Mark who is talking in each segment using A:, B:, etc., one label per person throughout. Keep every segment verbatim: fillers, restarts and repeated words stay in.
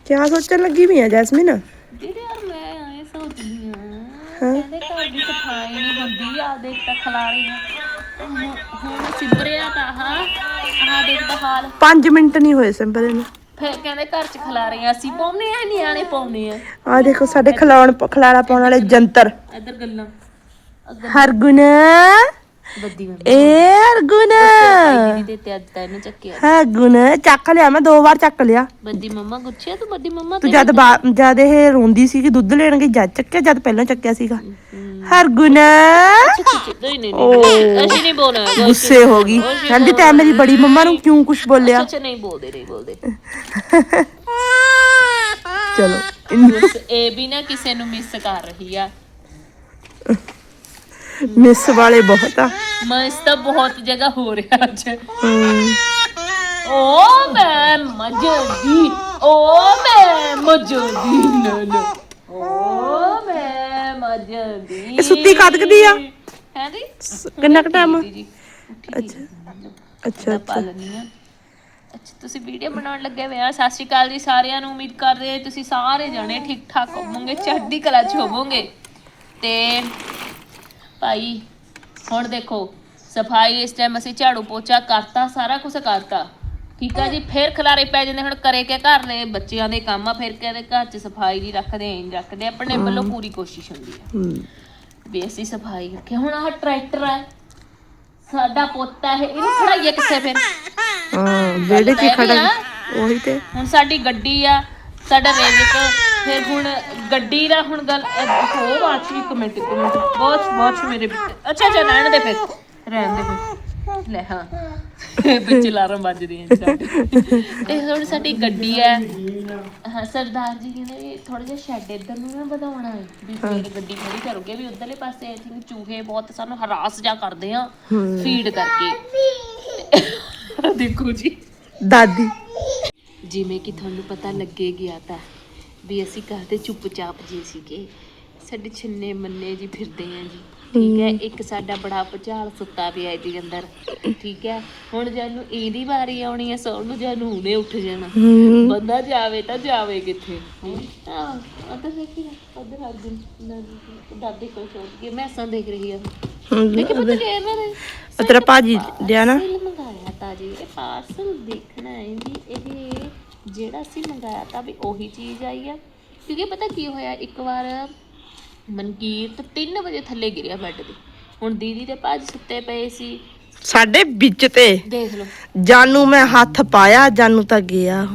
A: क्या सोचने लगी भी है जैस्मिन?
B: दीदी यार मैं आए सोचदी हां कहंदे घर दी सफाई नहीं हुंदी आ देख ता खलारीਆਂ ਹੁਣ ਸਿਮਰਿਆ ਤਾਂ ਹਾਂ ਆਹ ਦੇਖ ਤਾਂ ਹਾਲ
A: पांच मिनट नहीं हुए सिंपल ने
B: ਫਿਰ ਕਹਿੰਦੇ ਘਰ ਚ ਖਲਾਰੀਆਂ ਅਸੀਂ ਪਾਉਨੇ ਆ ਨਿਆਣੇ ਪਾਉਨੇ ਆ
A: आ देखो साडे खिलाउण खिलाड़ा पाउण वाले जंतर
B: ਇੱਧਰ ਗੱਲਾਂ
A: हरगुन
B: ਬੱਦੀ ਮੈਂ
A: ए हरगुन
B: ਦੀਦੀ ਦੇ ਤੇ ਅੱਜ ਤਾਂ ਇਹਨੂੰ ਚੱਕਿਆ
A: हरगुन ਚੱਕ ਲਿਆ ਮੈਂ ਦੋ ਵਾਰ ਚੱਕ ਲਿਆ
B: ਬੱਦੀ ਮੰਮਾ ਗੁੱਛਿਆ ਤੂੰ ਬੱਦੀ ਮੰਮਾ
A: ਤੂੰ ਜਦ ਜਦ ਇਹ ਰੋਂਦੀ ਸੀ ਕਿ ਦੁੱਧ ਲੈਣ ਗਈ ਜਦ ਚੱਕਿਆ ਜਦ ਪਹਿਲਾਂ ਚੱਕਿਆ ਸੀਗਾ ਹਰਗੁਨ
B: ਨਹੀਂ ਨਹੀਂ ਅਸੀਂ ਨਹੀਂ ਬੋਲਣਾ
A: ਗੁੱਸੇ ਹੋ ਗਈ ਕਹਿੰਦੀ ਤੈਂ ਮੇਰੀ ਬੜੀ ਮੰਮਾ ਨੂੰ ਕਿਉਂ ਕੁਝ ਬੋਲਿਆ
B: ਅੱਛਾ ਨਹੀਂ ਬੋਲਦੇ ਨਹੀਂ ਬੋਲਦੇ
A: ਚਲੋ
B: ਇਹ ਵੀ ਨਾ ਕਿਸੇ ਨੂੰ ਮਿਸ ਕਰ ਰਹੀ ਆ
A: ਮਿਸ ਵਾਲੇ ਬਹੁਤ ਆ
B: ਮਿਸ ਤਾਂ ਬਹੁਤ ਜਗ੍ਹਾ ਹੋ ਰਿਹਾ ਅੱਜ ਓ ਮੈਂ ਮਜਦੀ ਓ ਮੈਂ ਮਜਦੀ ਨਾ ਨਾ ਓ ਮੈਂ ਮਜਦੀ
A: ਇਹ ਸੁੱਤੀ ਕਦਕਦੀ ਆ
B: ਹੈ ਜੀ
A: ਕਿੰਨਾ ਕੁ ਟਾਈਮ
B: ਅੱਛਾ
A: ਅੱਛਾ
B: ਅੱਛਾ ਅੱਛਾ ਤੁਸੀਂ ਵੀਡੀਓ ਬਣਾਉਣ ਲੱਗੇ ਹੋਏ ਆ ਸਤਿ ਸ਼੍ਰੀ ਅਕਾਲ ਜੀ ਸਾਰਿਆਂ ਨੂੰ ਉਮੀਦ ਕਰਦੇ ਤੁਸੀਂ ਸਾਰੇ ਜਾਣੇ ਠੀਕ ਠਾਕ ਹੋਵੋਗੇ ਚੜ੍ਹਦੀ ਕਲਾ 'ਚ ਹੋਵੋਗੇ ਤੇ ਭਾਈ ਹੁਣ ਦੇਖੋ ਸਫਾਈ ਇਸ ਟਾਈਮ ਅਸੀਂ ਝਾੜੂ ਪੋਚਾ ਕਰਤਾ ਸਾਰਾ ਕੁਝ ਕਰਤਾ ਠੀਕ ਆ ਜੀ ਫਿਰ ਖਲਾਰੇ ਪੈ ਜਾਂਦੇ ਹੁਣ ਕਰੇ ਕੇ ਘਰ ਦੇ ਬੱਚਿਆਂ ਦੇ ਕੰਮ ਆ ਫਿਰ ਕਹਿੰਦੇ ਘਰ 'ਚ ਸਫਾਈ ਨਹੀਂ ਰੱਖਦੇ ਐਂ ਰੱਖਦੇ ਆਪਣੇ ਵੱਲੋਂ ਪੂਰੀ ਕੋਸ਼ਿਸ਼ ਹੁੰਦੀ ਆ ਵੀ ਅਸੀਂ ਸਫਾਈ ਰੱਖੇ ਹੁਣ ਆਹ ਟਰੈਕਟਰ ਆ ਸਾਡਾ ਪੋਤਾ ਇਹ ਇਹਨੂੰ ਖੜਾਈਏ ਕਿੱਥੇ ਫਿਰ
A: ਹਾਂ ਜਿਹੜੇ ਕੀ ਖੜਾ ਉਹੀ ਤੇ
B: ਹੁਣ ਸਾਡੀ ਗੱਡੀ ਆ ਸਾਡਾ ਰੇਲਿਕ ਫਿਰ ਹੁਣ ਗੱਡੀ ਦਾ ਹੁਣ ਗੱਲ ਹੋ ਬਾਤ ਇੱਕ ਮਿੰਟ ਇੱਕ ਮਿੰਟ ਬਹੁਤ ਬਹੁਤ ਮੇਰੇ ਅੱਛਾ ਅੱਛਾ ਰਹਿਣ ਦੇ ਫਿਰ ਰਹਿਣ ਦੇ ਫਿਰ ਲੈ ਹਾਂ ਵਿੱਚ ਅਲਾਰਮ ਵੱਜਦੀ ਹੈ ਸਾਡੀ ਤੇ ਹੁਣ ਸਾਡੀ ਗੱਡੀ ਹੈ ਹਾਂ ਸਰਦਾਰ ਜੀ ਕਹਿੰਦੇ ਥੋੜਾ ਜਿਹਾ ਸ਼ੈੱਡ ਇੱਧਰ ਨੂੰ ਨਾ ਵਧਾਉਣਾ ਹੈ ਵੀ ਫਿਰ ਗੱਡੀ ਖੜੀ ਕਰੋਗੇ ਵੀ ਉਧਰਲੇ ਪਾਸੇ ਆਈ ਥਿੰਕ ਚੂਹੇ ਬਹੁਤ ਸਾਨੂੰ ਹਰਾਸ ਜਾ ਕਰਦੇ ਆ ਫੀਡ ਕਰਕੇ ਦੇਖੋ ਜੀ
A: ਦਾਦੀ
B: ਜਿਵੇਂ ਕਿ ਤੁਹਾਨੂੰ ਪਤਾ ਲੱਗੇ ਗਿਆ ਤਾਂ ਵੀ ਅਸੀਂ ਕਰਦੇ ਚੁੱਪਚਾਪ ਜੀ ਸੀਗੇ ਸਾਡੇ ਛਿੰਨੇ ਮੰਨੇ ਜੀ ਫਿਰਦੇ ਆ ਜੀ ਠੀਕ ਹੈ ਇੱਕ ਸਾਡਾ ਬੜਾ ਭੁਚਾਲ ਸੁੱਤਾ ਪਿਆ ਜੀ ਅੰਦਰ ਠੀਕ ਹੈ ਹੁਣ ਜਾਨੂੰ ਇਹਦੀ ਵਾਰੀ ਆਉਣੀ ਹੈ ਸੌਣ ਨੂੰ ਜਾਨੂੰ ਹੁਣੇ ਉੱਠ ਜਾਣਾ ਬੰਦਾ ਜਾਵੇ ਤਾਂ ਜਾਵੇ ਕਿੱਥੇ ਹਾਂ ਉਧਰ ਦੇਖੀ ਉਧਰ ਅਰਜੁਨ ਦਾਦੀ ਕੋਲ ਸੋਚ ਕੇ ਮੈਂ ਸਾਂ ਦੇਖ ਰਹੀ ਆ ਦੇਖੇ ਪਤਾ ਕਿ ਇਹਨਾਂ ਨੇ
A: ਤੇਰਾ ਭਾਜੀ ਲਿਆ ਨਾ
B: ਮੰਗਾਇਆ ਤਾਂ ਜੀ ਇਹ ਪਾਰਸਲ ਦੇਖਣਾ ਹੈ ਜੀ ਇਹ ਜਿਹੜਾ ਅਸੀਂ ਮੰਗਾਇਆ ਤਾਂ ਵੀ ਉਹੀ ਚੀਜ਼ ਆਈ ਆ ਕਿਉਂਕਿ ਪਤਾ ਕੀ ਹੋਇਆ ਇੱਕ ਵਾਰ ਮਨਕੀਰਤ ਤਿੰਨ ਵਜੇ ਥੱਲੇ ਗਿਰਿਆ ਬੈੱਡ ਤੇ ਹੁਣ ਦੀਦੀ ਤੇ ਭਾਜੀ ਸੁੱਤੇ ਪਏ ਸੀ
A: ਸਾਡੇ ਵਿੱਚ ਤੇ
B: ਦੇਖ ਲਓ
A: ਜਾਨੂ ਮੈਂ ਹੱਥ ਪਾਇਆ ਜਾਨੂ ਤਾਂ ਗਿਆ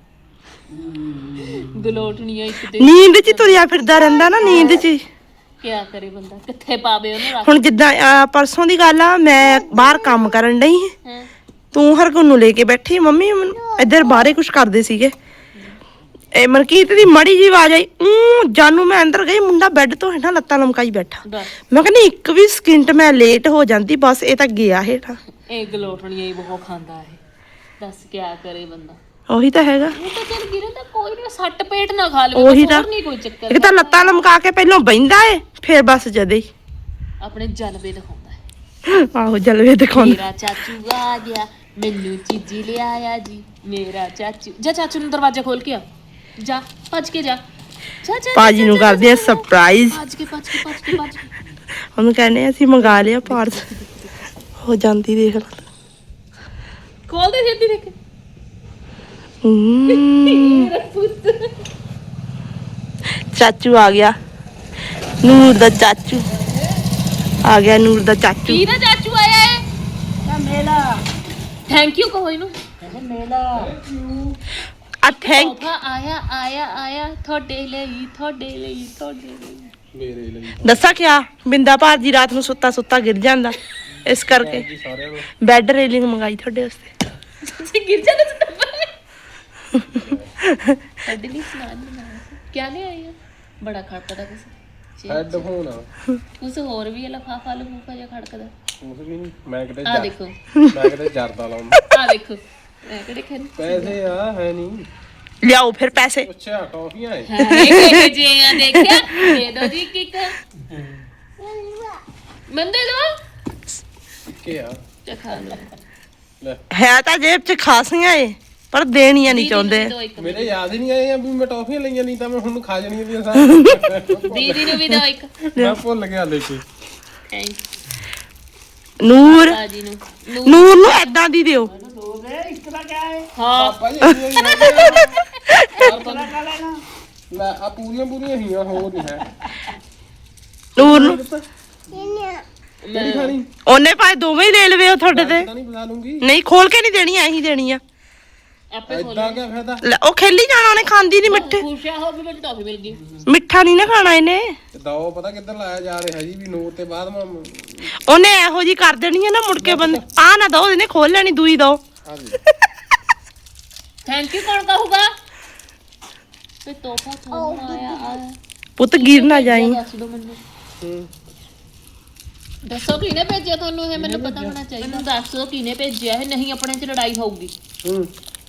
B: ਗਲੋਟਣੀਆਂ ਇੱਕ ਤੇ
A: ਨੀਂਦ 'ਚ ਤੁਰਿਆ ਫਿਰਦਾ ਰਹਿੰਦਾ ਨਾ ਨੀਂਦ 'ਚ
B: ਕਿਆ ਕਰੇ ਬੰਦਾ ਕਿੱਥੇ ਪਾਵੇ ਉਹਨੂੰ ਰੱਖ
A: ਹੁਣ ਜਿੱਦਾਂ ਪਰਸੋਂ ਦੀ ਗੱਲ ਆ ਮੈਂ ਬਾਹਰ ਕੰਮ ਕਰਨ ਡਈ
B: ਹਾਂ
A: ਤੂੰ ਹਰਗੁਣ ਨੂੰ ਲੈ ਕੇ ਬੈਠੀ ਮੰਮੀ ਇੱਧਰ ਬਾਹਰੇ ਕੁਝ ਕਰਦੇ ਸੀਗੇ ਇਹ ਮਨਕੀਰਤ ਦੀ ਮੜੀ ਜੀ ਆਵਾਜ਼ ਆਈ ਊਂ ਜਾਨੂ ਮੈਂ ਅੰਦਰ ਗਈ ਮੁੰਡਾ ਬੈੱਡ ਤੋਂ ਹੇਠਾਂ ਲੱਤਾਂ ਲਮਕਾਈ ਬੈਠਾ ਮੈਂ ਕਹਿੰਦੀ ਇੱਕ ਵੀ ਸਕਿੰਟ ਮੈਂ ਲੇਟ ਹੋ ਜਾਂਦੀ ਬਸ ਇਹ ਤਾਂ ਗਿਆ ਹੇਠਾਂ
B: ਇਹ ਗਲੋਟਣੀਆਂ ਹੀ ਬਹੁਤ ਖਾਂਦਾ ਹੈ ਦੱਸ ਕਿਆ ਕਰੇ ਬੰਦਾ
A: ਉਹੀ ਤਾਂ ਹੈਗਾ
B: ਉਹ ਤਾਂ ਚੱਲ ਗਿਰੇ ਤਾਂ ਕੋਈ ਨਾ ਸੱਟ ਪੇਟ ਨਾ ਖਾ ਲਵੇ
A: ਉਹੀ ਤਾਂ
B: ਨਹੀਂ ਕੋਈ ਚੱਕਰ
A: ਇੱਕ ਤਾਂ ਲੱਤਾਂ ਲਮਕਾ ਕੇ ਪਹਿਲਾਂ ਬਹਿੰਦਾ ਏ ਫਿਰ ਬਸ ਜਦੇ ਹੀ
B: ਆਪਣੇ ਜਲਵੇ ਦਿਖਾਉਂਦਾ ਹੈ
A: ਆਹੋ ਜਲਵੇ ਦਿਖਾਉਂਦਾ
B: ਮੇਰਾ ਚਾਚੂ ਆ ਗਿਆ ਮੈਨੂੰ ਚੀਜ਼ੀ ਲਿਆਇਆ ਜੀ ਮੇਰਾ ਚਾਚੂ ਜਾ ਚਾਚੂ ਨੂੰ ਦਰਵਾਜ਼ਾ ਖੋਲ ਕੇ ਆ ਜਾ ਭੱਜ ਕੇ ਜਾ ਜਾ ਜਾ
A: ਪਾਜੀ ਨੂੰ ਕਰਦੇ ਆ ਸਰਪ੍ਰਾਈਜ਼
B: ਭੱਜ ਕੇ ਭੱਜ ਕੇ ਭੱਜ ਕੇ ਭੱਜ ਕੇ
A: ਉਹਨੂੰ ਕਹਿੰਦੇ ਅਸੀਂ ਮੰਗਾ ਲਿਆ ਪਾਰਸਲ ਹੋ ਜਾਂਦੀ ਦੇਖ ਲੈ
B: ਖੋਲ ਦੇ ਛੇਤੀ ਦੇਖ
A: ਚਾਚੂ ਆ ਗਿਆ ਨੂਰ ਦਾ ਚਾਚੂ ਆ ਗਿਆ ਨੂਰ ਦਾ ਚਾਚੂ
B: ਕੀ ਦਾ ਚਾਚੂ ਆਇਆ ਹੈ ਮੇਲਾ ਥੈਂਕ ਯੂ ਕਹੋ ਇਹਨੂੰ ਮੇਲਾ
A: ਆ ਥੈਂਕ
B: ਆਇਆ ਆਇਆ ਆਇਆ ਤੁਹਾਡੇ ਲਈ ਤੁਹਾਡੇ ਲਈ ਤੁਹਾਡੇ ਲਈ
C: ਮੇਰੇ ਲਈ
A: ਦੱਸਾਂ ਕਿਆ ਬਿੰਦਾ ਭਾਜੀ ਰਾਤ ਨੂੰ ਸੁੱਤਾ ਸੁੱਤਾ ਗਿਰ ਜਾਂਦਾ ਇਸ ਕਰਕੇ ਬੈੱਡ ਰੇਲਿੰਗ ਮੰਗਾਈ ਤੁਹਾਡੇ ਵਾਸਤੇ
B: ਤੁਸੀਂ ਗਿਰ ਜਾਂਦੇ ਸਾਡੇ ਲਈ ਸਨਾਨ ਬਣਾਇਆ ਸੀ ਕਿਆ ਲੈ ਆਏ ਬੜਾ ਖੜਕਦਾ ਕੁਛ
C: ਹੈਡਫੋਨ ਆ
B: ਕੁਛ ਹੋਰ ਵੀ ਹੈ ਲਫਾਫਾ ਲਫੂਫਾ ਜਿਹਾ ਖੜਕਦਾ
C: ਕੁਛ ਵੀ ਨਹੀਂ ਮੈਂ ਕਿਤੇ
B: ਆ ਦੇਖੋ
C: ਮੈਂ ਕਿਤੇ ਜਰਦਾ ਲਾਉਂਦਾ
B: ਆ ਦੇਖੋ ਮੈਂ ਕਿਹੜੇ ਖੈਰ
C: ਪੈਸੇ ਆ ਹੈ ਨਹੀਂ
A: ਲਿਆਓ ਫਿਰ ਪੈਸੇ
C: ਅੱਛਾ ਟੌਫੀਆਂ ਹੈ
B: ਹਾਂ ਜੇ ਆ ਦੇਖਿਆ ਦੇ ਦੋ ਜੀ ਕਿਕ ਮੈਂ ਦੇ ਦੋ
C: ਕੀ ਆ
B: ਚਖਾ ਲਓ
C: ਲੈ
A: ਹੈ ਤਾਂ ਜੇਬ 'ਚ ਖਾਸੀਆਂ ਏ ਪਰ ਦੇਣੀਆਂ ਨਹੀਂ ਚਾਹੁੰਦੇ।
B: ਦੋ ਇੱਕ
C: ਮੇਰੇ ਯਾਦ ਹੀ ਨਹੀਂ ਆਏ ਆ ਵੀ ਮੈਂ ਟੌਫੀਆਂ ਲਈਆਂ, ਨਹੀਂ ਤਾਂ ਮੈਂ ਹੁਣ ਖਾ ਜਾਣੀਆਂ ਦੀਆਂ ਸਾਰੀਆਂ।
B: ਦੀਦੀ ਨੂੰ ਵੀ ਦੋ ਇੱਕ
C: ਮੈਂ ਭੁੱਲ ਗਿਆ ਲੈ ਕੇ।
A: ਨੂਰ
B: ਬਾਜੀ ਨੂੰ ਨੂੰ-
A: ਨੂਰ ਨੂੰ ਏਦਾਂ ਦੀ ਦਿਓ।
B: ਹਾਂ
C: ਪਾਪਾ ਜੀ ਇੰਨੀਆਂ ਹੀ ਹੈਗੀਆਂ। ਲੈ ਆ ਪੂਰੀਆਂ ਪੂਰੀਆਂ ਹੀਆਂ, ਹੋਰ ਨਹੀਂ ਹੈ।
A: ਨੂਰ ਨੂੰ
C: ਕਿਹੜੀ ਖਾਣੀ?
A: ਉਹਨੇ ਭਾਵੇਂ ਦੋਵੇਂ ਹੀ ਲੈ ਲਵੇ ਉਹ ਤੁਹਾਡੇ ਤੇ।
C: ਤਾਂ ਨਹੀਂ ਬੁਲਾ ਲੂੰਗੀ।
A: ਨਹੀਂ ਖੋਲ ਕੇ ਨਹੀਂ ਦੇਣੀ, ਐਂ ਹੀ ਦੇਣੀ ਆ।
B: ਆਪੇ ਖੋਲ
C: ਏਦਾਂ ਕਿਆ ਫਾਇਦਾ?
A: ਲੈ, ਉਹ ਖੇਲੀ ਜਾਣਾ, ਉਹਨੇ ਖਾਂਦੀ ਨਹੀਂ ਮਿੱਠੇ।
B: ਖੁਸ਼ਿਆ ਹੋ ਗਈ ਮੈਨੂੰ ਟੌਫੀ ਮਿਲ ਗਈ।
A: ਮਿੱਠਾ ਨਹੀਂ ਨਾ ਖਾਣਾ ਇਹਨੇ।
C: ਦੋ ਪਤਾ ਕਿੱਧਰ ਲਾਇਆ ਜਾ ਰਿਹਾ ਜੀ, ਵੀ ਨੂਰ ਤੇ ਬਾਅਦ ਮੈਂ
A: ਉਹਨੇ ਇਹੋ ਜੀ ਕਰ ਦੇਣੀ ਹੈ ਨਾ, ਮੁੜ ਕੇ ਬੰਦ ਆ ਨਾ ਦੋ, ਇਹਨੇ ਖੋਲ ਲੈਣੀ, ਦੂਈ ਦੋ।
C: ਆ ਜੀ
B: ਥੈਂਕ ਯੂ ਕੌਣ ਕਹੂਗਾ? ਤੇ ਤੋਹਫਾ ਤੁਹਾਨੂੰ ਆਇਆ ਆ।
A: ਪੁੱਤ ਗਿਰ ਨਾ ਜਾਈ।
B: ਦੱਸ ਦੋ ਮੈਨੂੰ,
C: ਹੂੰ
B: ਦੱਸੋ ਕਿਹਨੇ ਭੇਜਿਆ ਤੁਹਾਨੂੰ ਇਹ? ਮੈਨੂੰ ਪਤਾ ਹੋਣਾ ਚਾਹੀਦਾ। ਮੈਨੂੰ ਦੱਸ ਦਿਓ ਕਿਹਨੇ ਭੇਜਿਆ ਇਹ, ਨਹੀਂ ਆਪਣੇ ਚ ਲੜਾਈ ਹੋਊਗੀ।
C: ਹੂੰ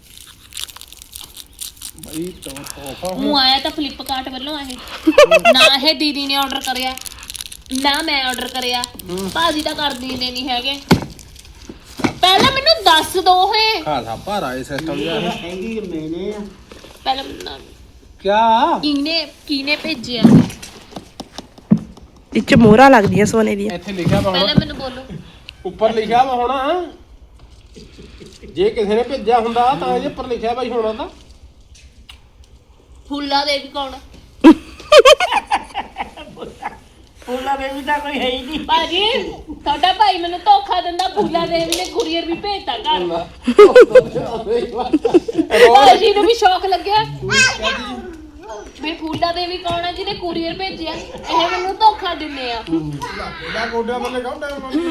C: ਬਈ ਤੋਹਫਾ
B: ਉਹ ਆਇਆ ਤਾਂ ਫਲਿੱਪਕਾਰਟ ਵੱਲੋਂ ਇਹ, ਨਾ ਇਹ ਦੀਦੀ ਨੇ ਆਰਡਰ ਕਰਿਆ ਨਾ ਮੈਂ ਆਰਡਰ ਕਰਿਆ। ਭਾਜੀ ਤਾਂ ਕਰ ਦਿੰਦੇ ਨਹੀਂ ਹੈਗੇ। ਪਹਿਲਾਂ ਮੈਨੂੰ ਦੱਸ ਦੋ ਹੈ।
C: ਖਾਸਾ ਭਾਰਾ ਇਹ ਸਿਸਟਮ ਜਿਹਾ ਹੈ।
B: ਪਹਿਲਾਂ ਮੈਨੂੰ
C: ਕਿਆ
B: ਕਿਹਨੇ ਕਿਹਨੇ ਭੇਜਿਆ
A: ਇੱਚ ਮੋਹਰਾਂ ਲੱਗਦੀਆਂ ਸੋਨੇ ਦੀਆਂ।
C: ਇੱਥੇ ਲਿਖਿਆ ਵਾ
B: ਪਹਿਲਾਂ
C: ਹੁਣ,
B: ਮੈਨੂੰ ਬੋਲੋ।
C: ਉੱਪਰ ਲਿਖਿਆ ਵਾ ਹੋਣਾ। ਜੇ ਕਿਸੇ ਨੇ ਭੇਜਿਆ ਹੁੰਦਾ ਤਾਂ ਇਹ ਉੱਪਰ ਲਿਖਿਆ ਬਾਈ ਹੋਣਾ ਤਾਂ।
B: ਫੁੱਲਾ ਦੇਵੀ ਕੌਣ?
D: ਫੁੱਲਾ ਦੇਵੀ ਤਾਂ ਕੋਈ ਹੈ ਹੀ ਨਹੀਂ।
B: ਭਾਜੀ ਤੁਹਾਡਾ ਭਾਈ ਮੈਨੂੰ ਧੋਖਾ ਦਿੰਦਾ। ਫੁੱਲਾ ਦੇਵੀ ਨੇ ਕੁਰੀਅਰ ਵੀ ਭੇਜਤਾ ਘਰ। ਭਾਜੀ ਨੂੰ ਵੀ ਸ਼ੌਕ ਲੱਗਿਆ ਵੀ ਫੁੱਲਾ ਦੇਵੀ ਕੌਣ ਹੈ ਜਿਹਨੇ ਕੁਰੀਅਰ ਭੇਜਿਆ। ਇਹ ਮੈਨੂੰ ਧੋਖਾ ਦਿੰਦੇ ਆ।
C: ਇਹਦਾ ਗੋਡਿਆਂ ਥੱਲੇ ਕਾਉਂਦਾ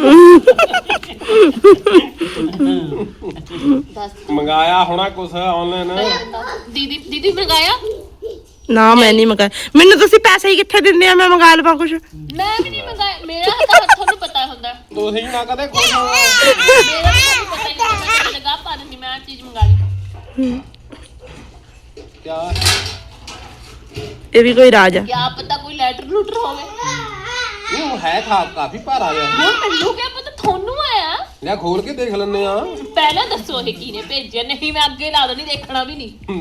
B: ਦੱਸ
C: ਮੰਗਾਇਆ ਹੋਣਾ ਕੁਛ ਆਨਲਾਈਨ।
B: ਦੀਦੀ ਦੀਦੀ ਮੰਗਾਇਆ?
A: ਨਾ ਮੈਂ ਨਹੀਂ ਮੰਗਾਇਆ। ਮੈਨੂੰ ਤੁਸੀਂ ਪੈਸੇ ਹੀ ਕਿੱਥੇ ਦਿੰਦੇ ਆ, ਮੈਂ ਮੰਗਾ ਲਵਾਂ ਕੁਛ।
B: ਮੈਂ ਵੀ ਨਹੀਂ ਮੰਗਾਇਆ। ਮੇਰਾ ਤਾਂ ਤੁਹਾਨੂੰ ਪਤਾ ਹੁੰਦਾ।
C: ਤੁਸੀਂ ਨਾ ਕਦੇ ਖੁਸ਼ ਹੋ।
B: ਮੇਰਾ ਤਾਂ ਪਤਾ ਹੀ ਨਹੀਂ। ਮੈਂ ਲਗਾ ਪਾ ਦਿੰਦੀ ਮੈਂ ਆਹ ਚੀਜ਼ ਮੰਗਾ ਲਈ।
C: ਕਿਆ
A: ਇਹ ਵੀ ਕੋਈ ਰਾਜ ਆ।
B: ਕਿਆ ਪਤਾ ਕੋਈ ਲੈਟਰ ਲੂਟਰ ਹੋਵੇ।
C: ਇਹ ਹੈ ਖਾ ਕਾਫੀ ਭਾਰਾ ਜਿਹਾ।
B: ਹੁਣ ਮੈਨੂੰ ਕਿਆ ਪਤਾ ਤੁਹਾਨੂੰ ਆਇਆ।
C: ਲੈ ਖੋਲ ਕੇ ਦੇਖ ਲੈਣੇ ਆ।
B: ਪਹਿਲਾਂ ਦੱਸੋ ਇਹ ਕਿਹਨੇ ਭੇਜਿਆ। ਨਹੀਂ ਮੈਂ ਅੱਗੇ ਲਾ ਦੇਣੀ, ਦੇਖਣਾ ਵੀ ਨਹੀਂ।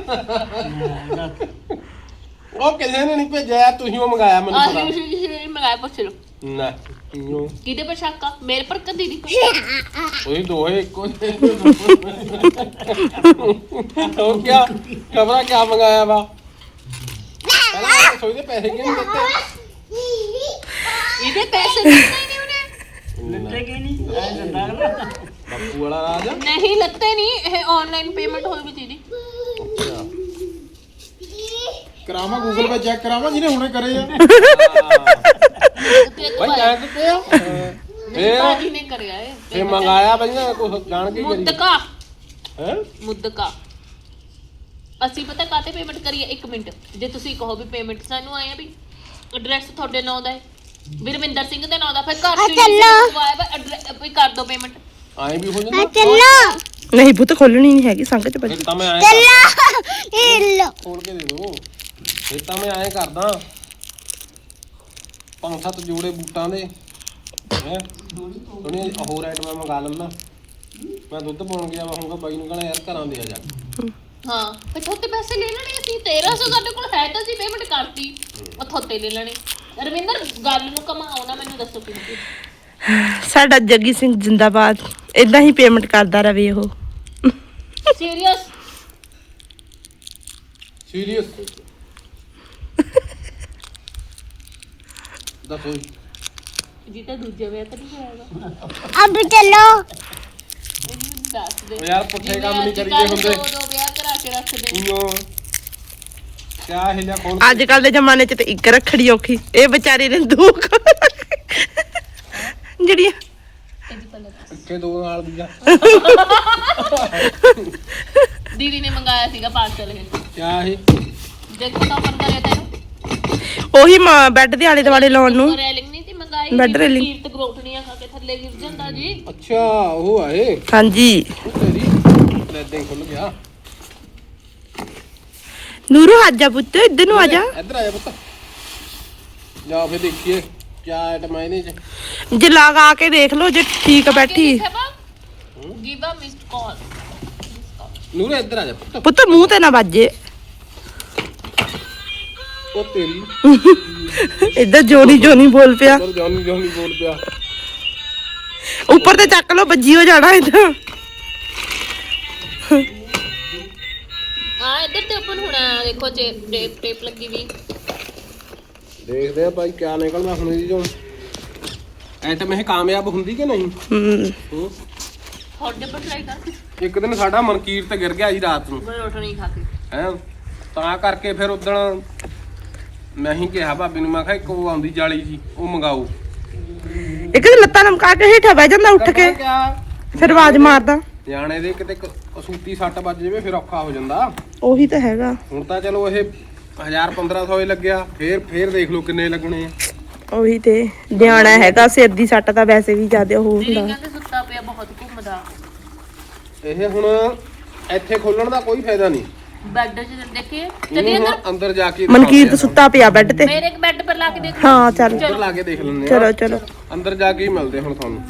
C: ਉਹ ਕਿਸੇ ਨੇ ਨਹੀਂ ਭੇਜਿਆ, ਤੁਸੀਂ ਉਹ ਮੰਗਾਇਆ ਮੈਨੂੰ
B: ਆਹ
C: ਪਤਾ।
B: ਮੰਗਾਇਆ ਪੁੱਛ ਲਓ
C: ਨਾ ਕਿਉਂ?
B: ਕਿਹਦੇ ਪਰ ਸ਼ੱਕ ਆ? ਮੇਰੇ ਪਰ ਕਿ ਦੀਦੀ ਪਰ?
C: ਤੁਸੀਂ ਦੋਹੇ ਇੱਕੋ ਜਿਹੇ। ਉਹ ਕਿਆ ਖਬਰਾਂ ਕਿਆ ਮੰਗਾਇਆ ਵਾ? ਪਹਿਲਾਂ ਸੋਈ ਦੇ ਪੈਸੇ ਕਿਉਂ ਨਹੀਂ ਦਿੱਤੇ?
B: ਇਹਦੇ ਪੈਸੇ ਦਿੱਤੇ ਨਹੀਂ ਉਹਨੇ।
D: ਲੱਤੇ ਕੀ ਨਹੀਂ ਐ ਦਿੰਦਾ ਅਗਲਾ।
C: ਬਾਪੂ ਵਾਲਾ ਰਾਜ।
B: ਨਹੀਂ ਲੱਤੇ ਨਹੀਂ। ਇਹ ਆਨਲਾਈਨ ਪੇਮੈਂਟ ਹੋਈ ਵੀ ਦੀਦੀ।
E: ਕਰਾਵਾਂ ਗੂਗਲ ਪੇ ਚੈੱਕ ਕਰਾਵਾਂ ਜਿਹਨੇ ਹੁਣੇ ਕਰੇ ਆ।
B: ਤੇ
C: ਭਾਈ ਜਾਣ ਦਿੱਤੇ ਆ।
B: ਮੇਰੇ ਭਾਜੀ ਨੇ ਕਰਿਆ ਇਹ।
C: ਫੇ ਮੰਗਾਇਆ ਬਈਆਂ ਕੁਝ ਜਾਣ ਕੇ ਕਰੀ।
B: ਮੁੱਦਕਾ
C: ਹੈ
B: ਮੁੱਦਕਾ ਅਸੀਂ ਪਤਾ ਕਾਤੇ ਪੇਮੈਂਟ ਕਰੀਏ? ਇੱਕ ਮਿੰਟ। ਜੇ ਤੁਸੀਂ ਕਹੋ ਵੀ ਪੇਮੈਂਟ ਸਾਨੂੰ ਆਏ ਆ ਵੀ ਐਡਰੈਸ ਤੁਹਾਡੇ ਨਾਂ ਦਾ ਹੈ, ਵਿਰਮਿੰਦਰ ਸਿੰਘ ਦੇ ਨਾਂ ਦਾ, ਫਿਰ ਘਰ ਚ ਆਇਆ ਵਾ ਐਡਰੈਸ ਵੀ ਕਰ ਦੋ ਪੇਮੈਂਟ।
C: ਆਏ ਵੀ ਹੋ ਜਾਂਦਾ।
A: ਨਹੀਂ ਪੁੱਤ ਖੋਲਣੀ ਨਹੀਂ ਹੈਗੀ, ਸੰਗ ਚ ਬੱਜੀ।
C: ਫਿਰ ਤਾਂ ਮੈਂ ਆਏ ਖੋਲ ਕੇ ਦੇ ਦੋ। ਫਿਰ ਤਾਂ ਮੈਂ ਆਏ ਕਰਦਾ ਪੰਜ ਸੱਤ ਜੋੜੇ ਬੂਟਾਂ ਦੇ ਹੈ ਉਹਨੇ ਹੋਰ ਆਈਟਮਾਂ ਮੰਗਾ ਲੈਂਦਾ। ਮੈਂ ਦੁੱਧ ਪਾਉਣ ਗਿਆ ਵਾ, ਹੋਊਗਾ ਬਾਈ ਨੂੰ ਕਹਣਾ ਯਾਰ ਘਰਾਂ ਦੇ ਆ ਜਾ।
B: ਹਾਂ ਫਿਰ ਥੋਤੇ ਪੈਸੇ ਲੈ ਲੈਣੇ ਅਸੀਂ। ਤੇਰਾਂ ਸੌ ਸਾਡੇ ਕੋਲ ਹੈ ਤਾਂ ਅਸੀਂ ਪੇਮੈਂਟ ਕਰਤੀ। ਉਹ ਥੋਤੇ ਲੈ ਲੈਣੇ। ਰਵਿੰਦਰ ਗੱਲ ਨੂੰ ਕਮਾਓ ਨਾ, ਮੈਨੂੰ ਦੱਸੋ ਕਿੰਨੀ।
A: ਸਾਡਾ ਜੱਗੀ ਸਿੰਘ ਜਿੰਦਾਬਾਦ। ਇਦਾਂ ਹੀ ਪੇਮੈਂਟ ਕਰਦਾ ਰਵੇ ਉਹ।
B: ਸੀਰੀਅਸ
C: ਸੀਰੀਅਸ ਦੱਸੋ
B: ਜੀ ਤਾਂ ਦੂਜੇ ਵਿਆਹ ਤਾਂ ਨਹੀਂ ਹੋਏਗਾ।
A: ਅਬ ਚਲੋ।
B: ਦੱਸ ਦੇ
C: ਉਹ ਯਾਰ ਪੁੱਠੇ ਕੰਮ ਨਹੀਂ ਕਰੀਦੇ
B: ਅੱਜ-ਕੱਲ੍ਹ
C: ਹੁੰਦੇ।
B: ਦੋ ਦੋ ਵਿਆਹ ਕਰਾ ਕੇ ਰੱਖਦੇ।
C: ਇਓ ਕਿਆ ਹਿਲਿਆ ਖੋਲ
A: ਅੱਜ ਕੱਲ ਦੇ ਜ਼ਮਾਨੇ ਚ ਤੇ ਇੱਕ ਰੱਖੜੀ ਔਖੀ। ਇਹ ਵਿਚਾਰੀ ਨੇ ਦੋ ਜਿਹੜੀਆਂ
C: ਕੇ ਦੋ ਨਾਲ ਦੀਆਂ।
B: ਦੀਦੀ ਨੇ ਮੰਗਾਇਆ ਸੀਗਾ ਪਾਰਸਲ ਇਹ।
C: ਕਿਆ ਇਹ
B: ਦੇਖੋ ਤਾਂ ਫਰ ਕਰਿਆ ਤੈਨੂੰ।
A: ਉਹੀ ਬੈੱਡ ਦੇ ਆਲੇ ਦੁਆਲੇ ਲਾਉਣ ਨੂੰ।
B: ਰੈਲਿੰਗ ਨਹੀਂ ਸੀ ਮੰਗਾਈ।
A: Bed railing.
B: ਕੀਰਤ ਗਰੋਟਣੀਆਂ ਖਾ ਕੇ ਥੱਲੇ ਗਿਰ ਜਾਂਦਾ ਜੀ।
C: ਅੱਛਾ ਉਹ ਆਏ
A: ਹਾਂਜੀ
C: ਉਹ ਤੇਰੀ ਲੈਦਾਂ ਹੀ ਖੁੱਲ ਗਿਆ।
A: ਨੂਰੂ ਆ ਜਾ ਪੁੱਤ, ਇੱਧਰ ਨੂੰ ਆ ਜਾ।
C: ਇੱਧਰ ਆ ਜਾ ਪੁੱਤ। ਜਾ ਫੇ ਦੇਖੀਏ ਕਿਆ ਆਈਟਮ ਹੈ ਇਹਦੇ ਚ।
A: ਜੇ ਲਗਾ ਕੇ ਦੇਖ ਲਓ ਜੇ ਠੀਕ ਬੈਠੀ।
B: ਗਿਵ ਅ ਮਿਸਡ ਕਾਲ।
C: ਨੂਰੇ ਇੱਧਰ ਆ ਜਾ ਪੁੱਤ
A: ਪੁੱਤ ਮੂੰਹ ਤੇ ਨਾ ਵੱਜੇ।
C: ਉਹ ਤੇਰੀ
A: ਇੱਧਰ ਜੋਨੀ ਜੋਨੀ ਬੋਲ ਪਿਆ।
C: ਉੱਧਰ ਜੌਨੀ ਜੌਨੀ ਬੋਲ ਪਿਆ।
A: ਉੱਪਰ ਤੇ ਚੱਕ ਲੋ, ਵੱਜੀ ਹੋ ਜਾਣਾ ਇੱਧਰ।
B: ਆ ਇੱਧਰ ਤੇ ਓਪਨ ਹੋਣਾ, ਦੇਖੋ ਟੇਪ ਟੇਪ ਟੇਪ ਲੱਗੀ ਵੀ।
C: ਦੇਖਦੇ ਆ ਭਾਈ ਕਿਆ ਨਿਕਲਦਾ ਹੁਣ ਇਹਦੀ ਚੋਂ। ਐਟਮ ਇਹ ਕਾਮਯਾਬ ਹੁੰਦੀ ਕਿ ਨਹੀਂ?
A: ਹੂੰ
C: ਹੂੰ।
B: ਤੁਹਾਡੇ ਪਰ ਟਰਾਈ ਕਰ।
C: ਇੱਕ ਦਿਨ ਸਾਡਾ ਮਨਕੀਰ ਤੇ ਗਿਰ ਗਿਆ ਜੀ ਰਾਤ ਨੂੰ
B: ਮੈਂ ਰੋਟੀ ਨਹੀਂ ਖਾ ਕੇ।
C: ਹੈ ਤਾਂ ਕਰਕੇ ਫਿਰ ਉਦਣ ਮੈਂ ਹੀ ਕਿਹਾ ਭਾਬੀ ਨੂੰ, ਮੈਂ ਕਿਹਾ ਇੱਕ ਉਹ ਆਉਂਦੀ ਜਾਲੀ ਜੀ ਉਹ ਮੰਗਾਓ।
A: ਇੱਕ ਤੇ ਲੱਤਾਂ ਲਮਕਾ ਕੇ ਹੇਠਾਂ ਬਹਿ ਜਾਂਦਾ ਉੱਠ ਕੇ,
C: ਕਿਆ
A: ਫਿਰ ਆਵਾਜ਼ ਮਾਰਦਾ।
C: ਨਿਆਣੇ ਦੇ ਕਿਤੇ ਕ- ਕਸੂਤੀ ਸੱਟ ਵੱਜ ਜਾਵੇ ਫਿਰ ਔਖਾ ਹੋ ਜਾਂਦਾ।
A: ਉਹੀ ਤਾਂ ਹੈਗਾ।
C: ਹੁਣ ਤਾਂ ਚਲੋ ਇਹ ਹਜ਼ਾਰ ਪੰਦਰਾਂ ਸੌ ਹੀ ਲੱਗਿਆ, ਫੇਰ ਫੇਰ ਦੇਖ ਲਓ ਕਿੰਨੇ ਲੱਗਣੇ ਆ।
A: ਉਹੀ ਤੇ ਨਿਆਣਾ ਹੈਗਾ, ਸਿਰ ਦੀ ਸੱਟ ਤਾਂ ਵੈਸੇ ਵੀ ਜ਼ਿਆਦਾ ਉਹ
B: ਦੀਦੀ
A: ਹੁੰਦਾ।
B: ਕਹਿੰਦੇ ਸੁੱਤਾ ਪਿਆ ਬਹੁਤ ਘੁੰਮਦਾ।
C: ਇਹ ਹੁਣ ਇੱਥੇ ਖੋਲਣ ਦਾ ਕੋਈ ਫਾਇਦਾ ਨਹੀਂ।
B: ਬੈੱਡ 'ਚ ਦੇਖੇ
C: ਇਹਨੂੰ
B: ਚੱਲੀ
C: ਹੁਣ
B: ਅੰਦਰ।
C: ਅੰਦਰ ਜਾ ਕੇ
A: ਮਨਕੀਰ ਤਾਂ ਸੁੱਤਾ ਪਿਆ ਬੈੱਡ ਤੇ।
B: ਮੇਰੇ ਇੱਕ ਬੈੱਡ ਪਰ ਲਾ ਕੇ ਦੇਖ।
A: ਹਾਂ ਚੱਲ
C: ਅੰਦਰ ਲਾ ਕੇ ਦੇਖ ਲੈਂਦੇ ਆ।
A: ਚਲੋ ਚਲੋ।
C: ਅੰਦਰ ਜਾ ਕੇ ਹੀ ਮਿਲਦੇ ਹੁਣ ਤੁਹਾਨੂੰ।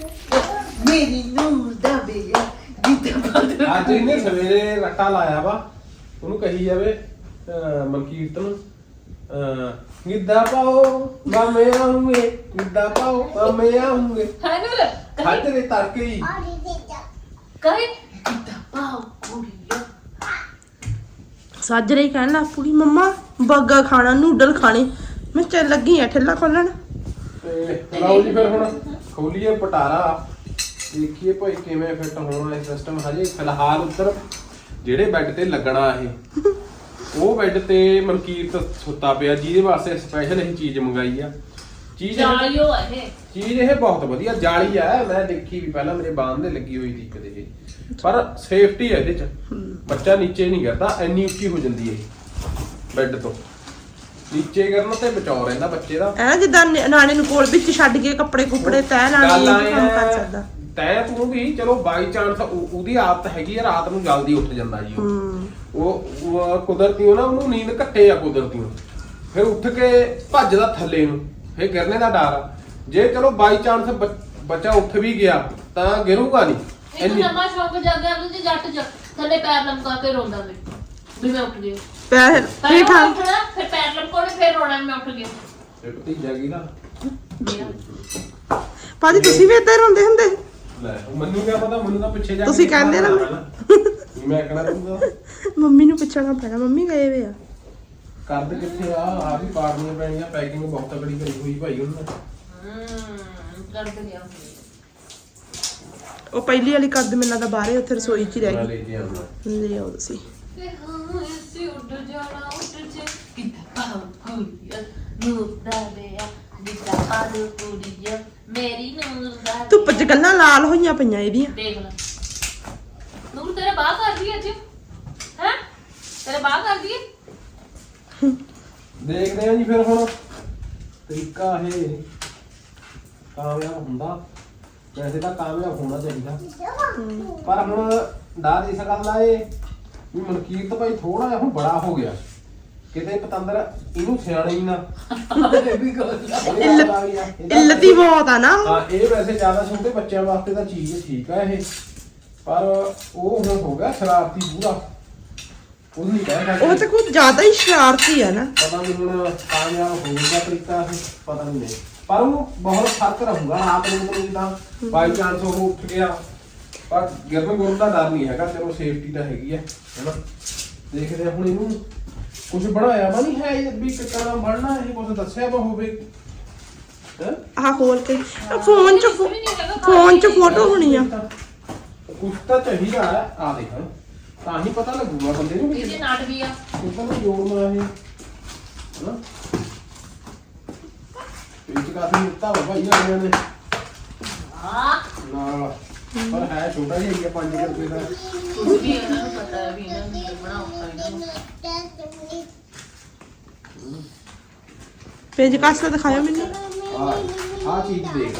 D: ਮੇਰੀ ਨੂਰ ਦਾ ਬੇਆ ਜਿੱਦਾਂ
C: ਅੱਜ ਇਹਨੇ ਸਵੇਰੇ ਰੱਟਾ ਲਾਇਆ ਵਾ, ਉਹਨੂੰ ਕਹੀ ਜਾਵੇ ਅਹ ਮਨਕੀਰਤ ਨੂੰ ਅਹ ਗਿੱਧਾ ਪਾਓ ਮਾਮੇ ਆਉਂਗੇ, ਗਿੱਧਾ ਪਾਓ ਮਾਮੇ ਆਉਂਗੇ।
B: ਹਾਂ ਨੂਰ
C: ਖੱਜ ਦੇ ਤੜਕੇ ਹੀ
B: ਕਹੇ ਕਿੱਦਾਂ ਪਾਉ ਕੁੜੀਆ।
A: ਸਾਜਰੇ ਹੀ ਕਹਿਣ ਲੱਗ ਪੂਰੀ ਮੰਮਾ ਬੱਗਾ ਖਾਣਾ, ਨੂਡਲ ਖਾਣੇ। ਮੈਂ ਚੱਲ ਲੱਗੀ ਆ ਠੇਲਾ ਖੋਲਣ।
C: ਤੇ ਲਓ ਜੀ ਫਿਰ ਹੁਣ ਖੋਲੀਏ ਪਟਾਰਾ, ਦੇਖੀਏ ਭਾਈ ਕਿਵੇਂ ਫਿੱਟ ਹੋਣਾ ਇਹ ਸਿਸਟਮ। ਹਜੇ ਫਿਲਹਾਲ ਉੱਧਰ ਜਿਹੜੇ ਬੈੱਡ ਤੇ ਲੱਗਣਾ ਇਹ ਉਹ ਬੈੱਡ ਤੇ ਮਨਕੀਰਤ ਸੁੱਤਾ ਪਿਆ, ਜਿਹਦੇ ਵਾਸਤੇ ਸਪੈਸ਼ਲ ਇਹ ਚੀਜ਼ ਮੰਗਾਈ ਆ। ਚੀਜ਼ ਇਹ-
B: ਜਾਲਿਓ ਇਹ
C: ਚੀਜ਼ ਇਹ ਬਹੁਤ ਵਧੀਆ ਜਾਲੀ ਆ। ਮੈਂ ਦੇਖੀ ਵੀ ਪਹਿਲਾਂ ਮੇਰੇ ਬਾਂਹ ਦੇ ਲੱਗੀ ਹੋਈ ਸੀ ਕਦੇ ਇਹ, ਪਰ ਸੇਫਟੀ ਹੈ ਇਹਦੇ ਚ, ਬੱਚਾ ਨੀਚੇ ਨਹੀਂ ਗਿਰਦਾ। ਇੰਨੀ ਉੱਚੀ ਹੋ ਜਾਂਦੀ ਹੈ ਬੈੱਡ ਤੋਂ, ਨੀਚੇ ਗਿਰਨ ਤੇ ਬਚਾਓ ਰਹਿੰਦਾ ਬੱਚੇ ਦਾ।
A: ਐ ਜਿੱਦਾਂ ਨਿ- ਨਿਆਣੇ ਨੂੰ ਕੋਲ ਵਿੱਚ ਛੱਡ ਕੇ ਕੱਪੜੇ ਕੁੱਪੜੇ ਤਹਿ ਲਾਣੀ,
C: ਗੱਲ
A: ਇਹ
C: ਆਏਂ
A: ਕੰਮ ਕਰ
C: ਆ,
A: ਸਕਦਾ।
C: ਤੈਂ ਤੂੰ ਵੀ ਚਲੋ ਬਾਈ ਚਾਂਸ ਉਹਦੀ ਆਦਤ ਹੈਗੀ ਆ ਰਾਤ ਨੂੰ ਜਲਦੀ ਉੱਠ ਜਾਂਦਾ ਜੀ ਉਹ।
A: ਹੂੰ
C: ਉਹ ਉਹ ਕੁਦਰਤੀ ਉਹ ਨਾ ਉਹਨੂੰ ਨੀਂਦ ਘੱਟੇ ਆ ਕੁਦਰਤੀ, ਫਿਰ ਉੱਠ ਕੇ ਭੱਜਦਾ ਥੱਲੇ ਨੂੰ, ਫਿਰ ਗਿਰਨੇ ਦਾ ਡਰ ਆ। ਜੇ ਚਲੋ ਬਾਈ ਚਾਂਸ ਬੱਚਾ ਉੱਠ ਵੀ ਗਿਆ ਤਾਂ ਗਿਰੂਗਾ ਨਹੀਂ
B: ਇੱਕ
C: ਇੰਨੀ।
B: ਨਵਾਂ ਸ਼ੌਕ ਜਾਗਿਆ ਉਹਦੇ ਜੱਟ ਚ ਥੱਲੇ ਪੈਰ ਲਮਕਾ ਕੇ ਰੋਂਦਾ ਵੇ ਵੀ ਮੈਂ ਉੱਠ ਗਿਆ।
A: ਪੈਰ
B: ਪਹਿਲਾਂ
A: ਪੀਠਾ
B: ਉੱਠਣਾ ਫਿਰ ਪੈਰ ਲਮਕਾਉਣੇ ਫਿਰ ਰੋਣਾ ਵੀ ਮੈਂ ਉੱਠ ਗਿਆ।
C: ਇਹ ਭਤੀਜਾ ਕੀ ਦਾ
A: ਭਾਜੀ ਤੁਸੀਂ ਵੀ ਏਦਾਂ ਹੀ ਰੋਂਦੇ ਹੁੰਦੇ?
C: ਲੈ ਮੈਨੂੰ ਕਿਆ ਪਤਾ, ਮੈਨੂੰ ਤਾਂ ਪਿੱਛੇ ਜਾ ਕੇ
A: ਤੁਸੀਂ ਕਹਿੰਦੇ ਨਾ
C: ਮੈਂ ਕਹਿਣਾ ਦੂੰਗਾ
A: ਮੰਮੀ ਨੂੰ ਪੁੱਛਣਾ ਪੈਣਾ, ਮੰਮੀ ਗਏ ਵੇ ਆ।
C: ਕਰਦ ਕਿੱਥੇ ਆ ਆ ਵੀ ਪਾੜਨੀਆਂ ਪੈਣੀਆਂ, ਪੈਕਿੰਗ ਬਹੁਤ ਤਕੜੀ ਕਰੀ ਹੋਈ ਭਾਈ ਉਹਨਾਂ ਨੇ।
B: ਹੂੰ ਕਰ ਗਿਆ।
A: ਉਹ ਪਹਿਲੀ ਵਾਲੀ ਕੱਦ ਮੈਨੂੰ ਲੱਗਦਾ ਬਾਹਰੇ ਉੱਥੇ ਰਸੋਈ 'ਚ ਹੀ ਰਹਿ
C: ਮੈਂ
A: ਗਈ।
C: ਲੈ ਕੇ ਆਉਂਦਾ।
A: ਲੈ ਆਓ ਤੁਸੀਂ।
B: ਤੇ ਹਾਂ ਇਸੇ ਉੱਡ ਜਾਣਾ ਉੱਡ ਜੇ ਕਿੱਦਾਂ ਪਾਉ ਕੁੜੀਆ ਨੂਰ ਦਾ ਬੇਆ ਜਿੱਦਾਂ ਪਾਉ ਕੁੜੀਆ ਮੇਰੀ ਨੂਰ ਦਾ
A: ਧੁੱਪ 'ਚ ਗੱਲਾਂ ਲਾਲ ਹੋਈਆਂ ਪਈਆਂ ਇਹਦੀਆਂ।
B: ਦੇਖ ਲੈ ਨੂਰ ਤੇਰੇ ਬਾਹ ਕਰਦੀ ਅੱਜ ਹੈ ਤੇਰੇ ਬਾਹ ਕਰਦੀ ਹੈ।
C: ਦੇਖਦੇ ਆ ਜੀ ਫਿਰ ਹੁਣ ਤਰੀਕਾ ਇਹ ਕਾਮਯਾਬ ਹੁੰਦਾ। ਵੈਸੇ ਤਾਂ ਕਾਮਯਾਬ ਹੋਣਾ ਚਾਹੀਦਾ, ਪਰ ਹੁਣ ਡਰ ਇਸ ਗੱਲ ਦਾ ਏ ਵੀ ਮਨਕੀਰਤ ਭਾਈ ਥੋੜਾ ਜਿਹਾ ਹੁਣ ਬੜਾ ਹੋ ਗਿਆ, ਕਿਤੇ ਪਤੰਦਰ ਇਹਨੂੰ ਸਿਆਣੇ ਹੀ ਨਾ।
A: ਇੱਲਤ ਹੀ ਬਹੁਤ ਆ ਨਾ।
C: ਹਾਂ ਇਹ ਵੈਸੇ ਜ਼ਿਆਦਾ ਛੋਟੇ ਬੱਚਿਆਂ ਵਾਸਤੇ ਤਾਂ ਚੀਜ਼ ਠੀਕ ਆ ਇਹ, ਪਰ ਉਹ ਹੁਣ ਹੋ ਗਿਆ ਸ਼ਰਾਰਤੀ ਪੂਰਾ। ਉਹ ਨਹੀਂ ਕਹਿ
A: ਉਹ
C: ਸਕਦੇ,
A: ਤਾਂ ਕੁਝ ਜ਼ਿਆਦਾ ਹੀ ਸ਼ਰਾਰਤੀ ਆ ਨਾ।
C: ਪਤਾ ਨਹੀਂ ਹੁਣ ਕਾਮਯਾਬ ਹੋਊਗਾ ਤਰੀਕਾ ਇਹ, ਪਤਾ ਨਹੀਂ ਨਹੀਂ, ਪਰ ਉਹ ਬਹੁਤ ਫਰਕ ਰਹੂਗਾ ਰਾਤ ਨੂੰ ਨੂੰ ਜਿੱਦਾਂ ਬਾਈ ਚਾਂਸ ਉਹ ਉੱਠ ਗਿਆ, ਪਰ ਗਿਰਨ ਗੁਰਨ ਦਾ ਡਰ ਨਹੀਂ ਹੈਗਾ। ਚਲੋ ਸੇਫਟੀ ਤਾਂ ਹੈਗੀ ਹੈ ਹੈਨਾ। ਦੇਖਦੇ ਆ ਹੁਣ ਇਹਨੂੰ ਕੁਝ ਬਣਾਇਆ ਵਾ ਨਹੀਂ ਹੈ ਇਹ ਵੀ ਕਿੱਦਾਂ ਬਣਨਾ, ਇਹ ਕੁਝ ਦੱਸਿਆ ਵਾ ਹੋਵੇ ਹੈ।
A: ਆਹ ਖੋਲ ਕੇ ਫੋਨ 'ਚ ਫੋਨ 'ਚ ਫੋਟੋ ਹੋਣੀ ਆ।
C: ਕੁਛ ਤਾਂ ਚਾਹੀਦਾ ਹੈ, ਆ ਦੇਖ ਤਾਂ ਹੀ ਪਤਾ ਲੱਗੂਗਾ ਬੰਦੇ ਨੂੰ ਵੀ
B: ਇਹਦੇ ਨਾਟ ਵੀ ਆ
C: ਕਿੱਦਾਂ ਨੂੰ ਜੋੜਨਾ ਇਹ ਹੈਨਾ। ਇਹ ਕਾਫੀ ਦਿੱਤਾ ਵਾ ਭਾਈ ਇਹਨਾਂ ਨੇ
B: ਹਾਂ
C: ਨਾਲ, ਪਰ ਹੈ ਛੋਟਾ ਜਿਹਾ ਹੀ ਆ ਪੰਜ ਰੁਪਏ ਦਾ।
B: ਕੁਝ ਵੀ ਇਹਨਾਂ ਨੂੰ ਪਤਾ ਹੈ ਵੀ ਇਹਨਾਂ ਨੂੰ ਬਣਾਉਣਾ ਇਹਨਾਂ ਨੂੰ।
A: ਪੇਜ ਕਾਸਾ ਦਿਖਾਇਆ ਮੈਨੂੰ।
C: ਆ ਆ ਚੀਜ਼ ਦੇਖ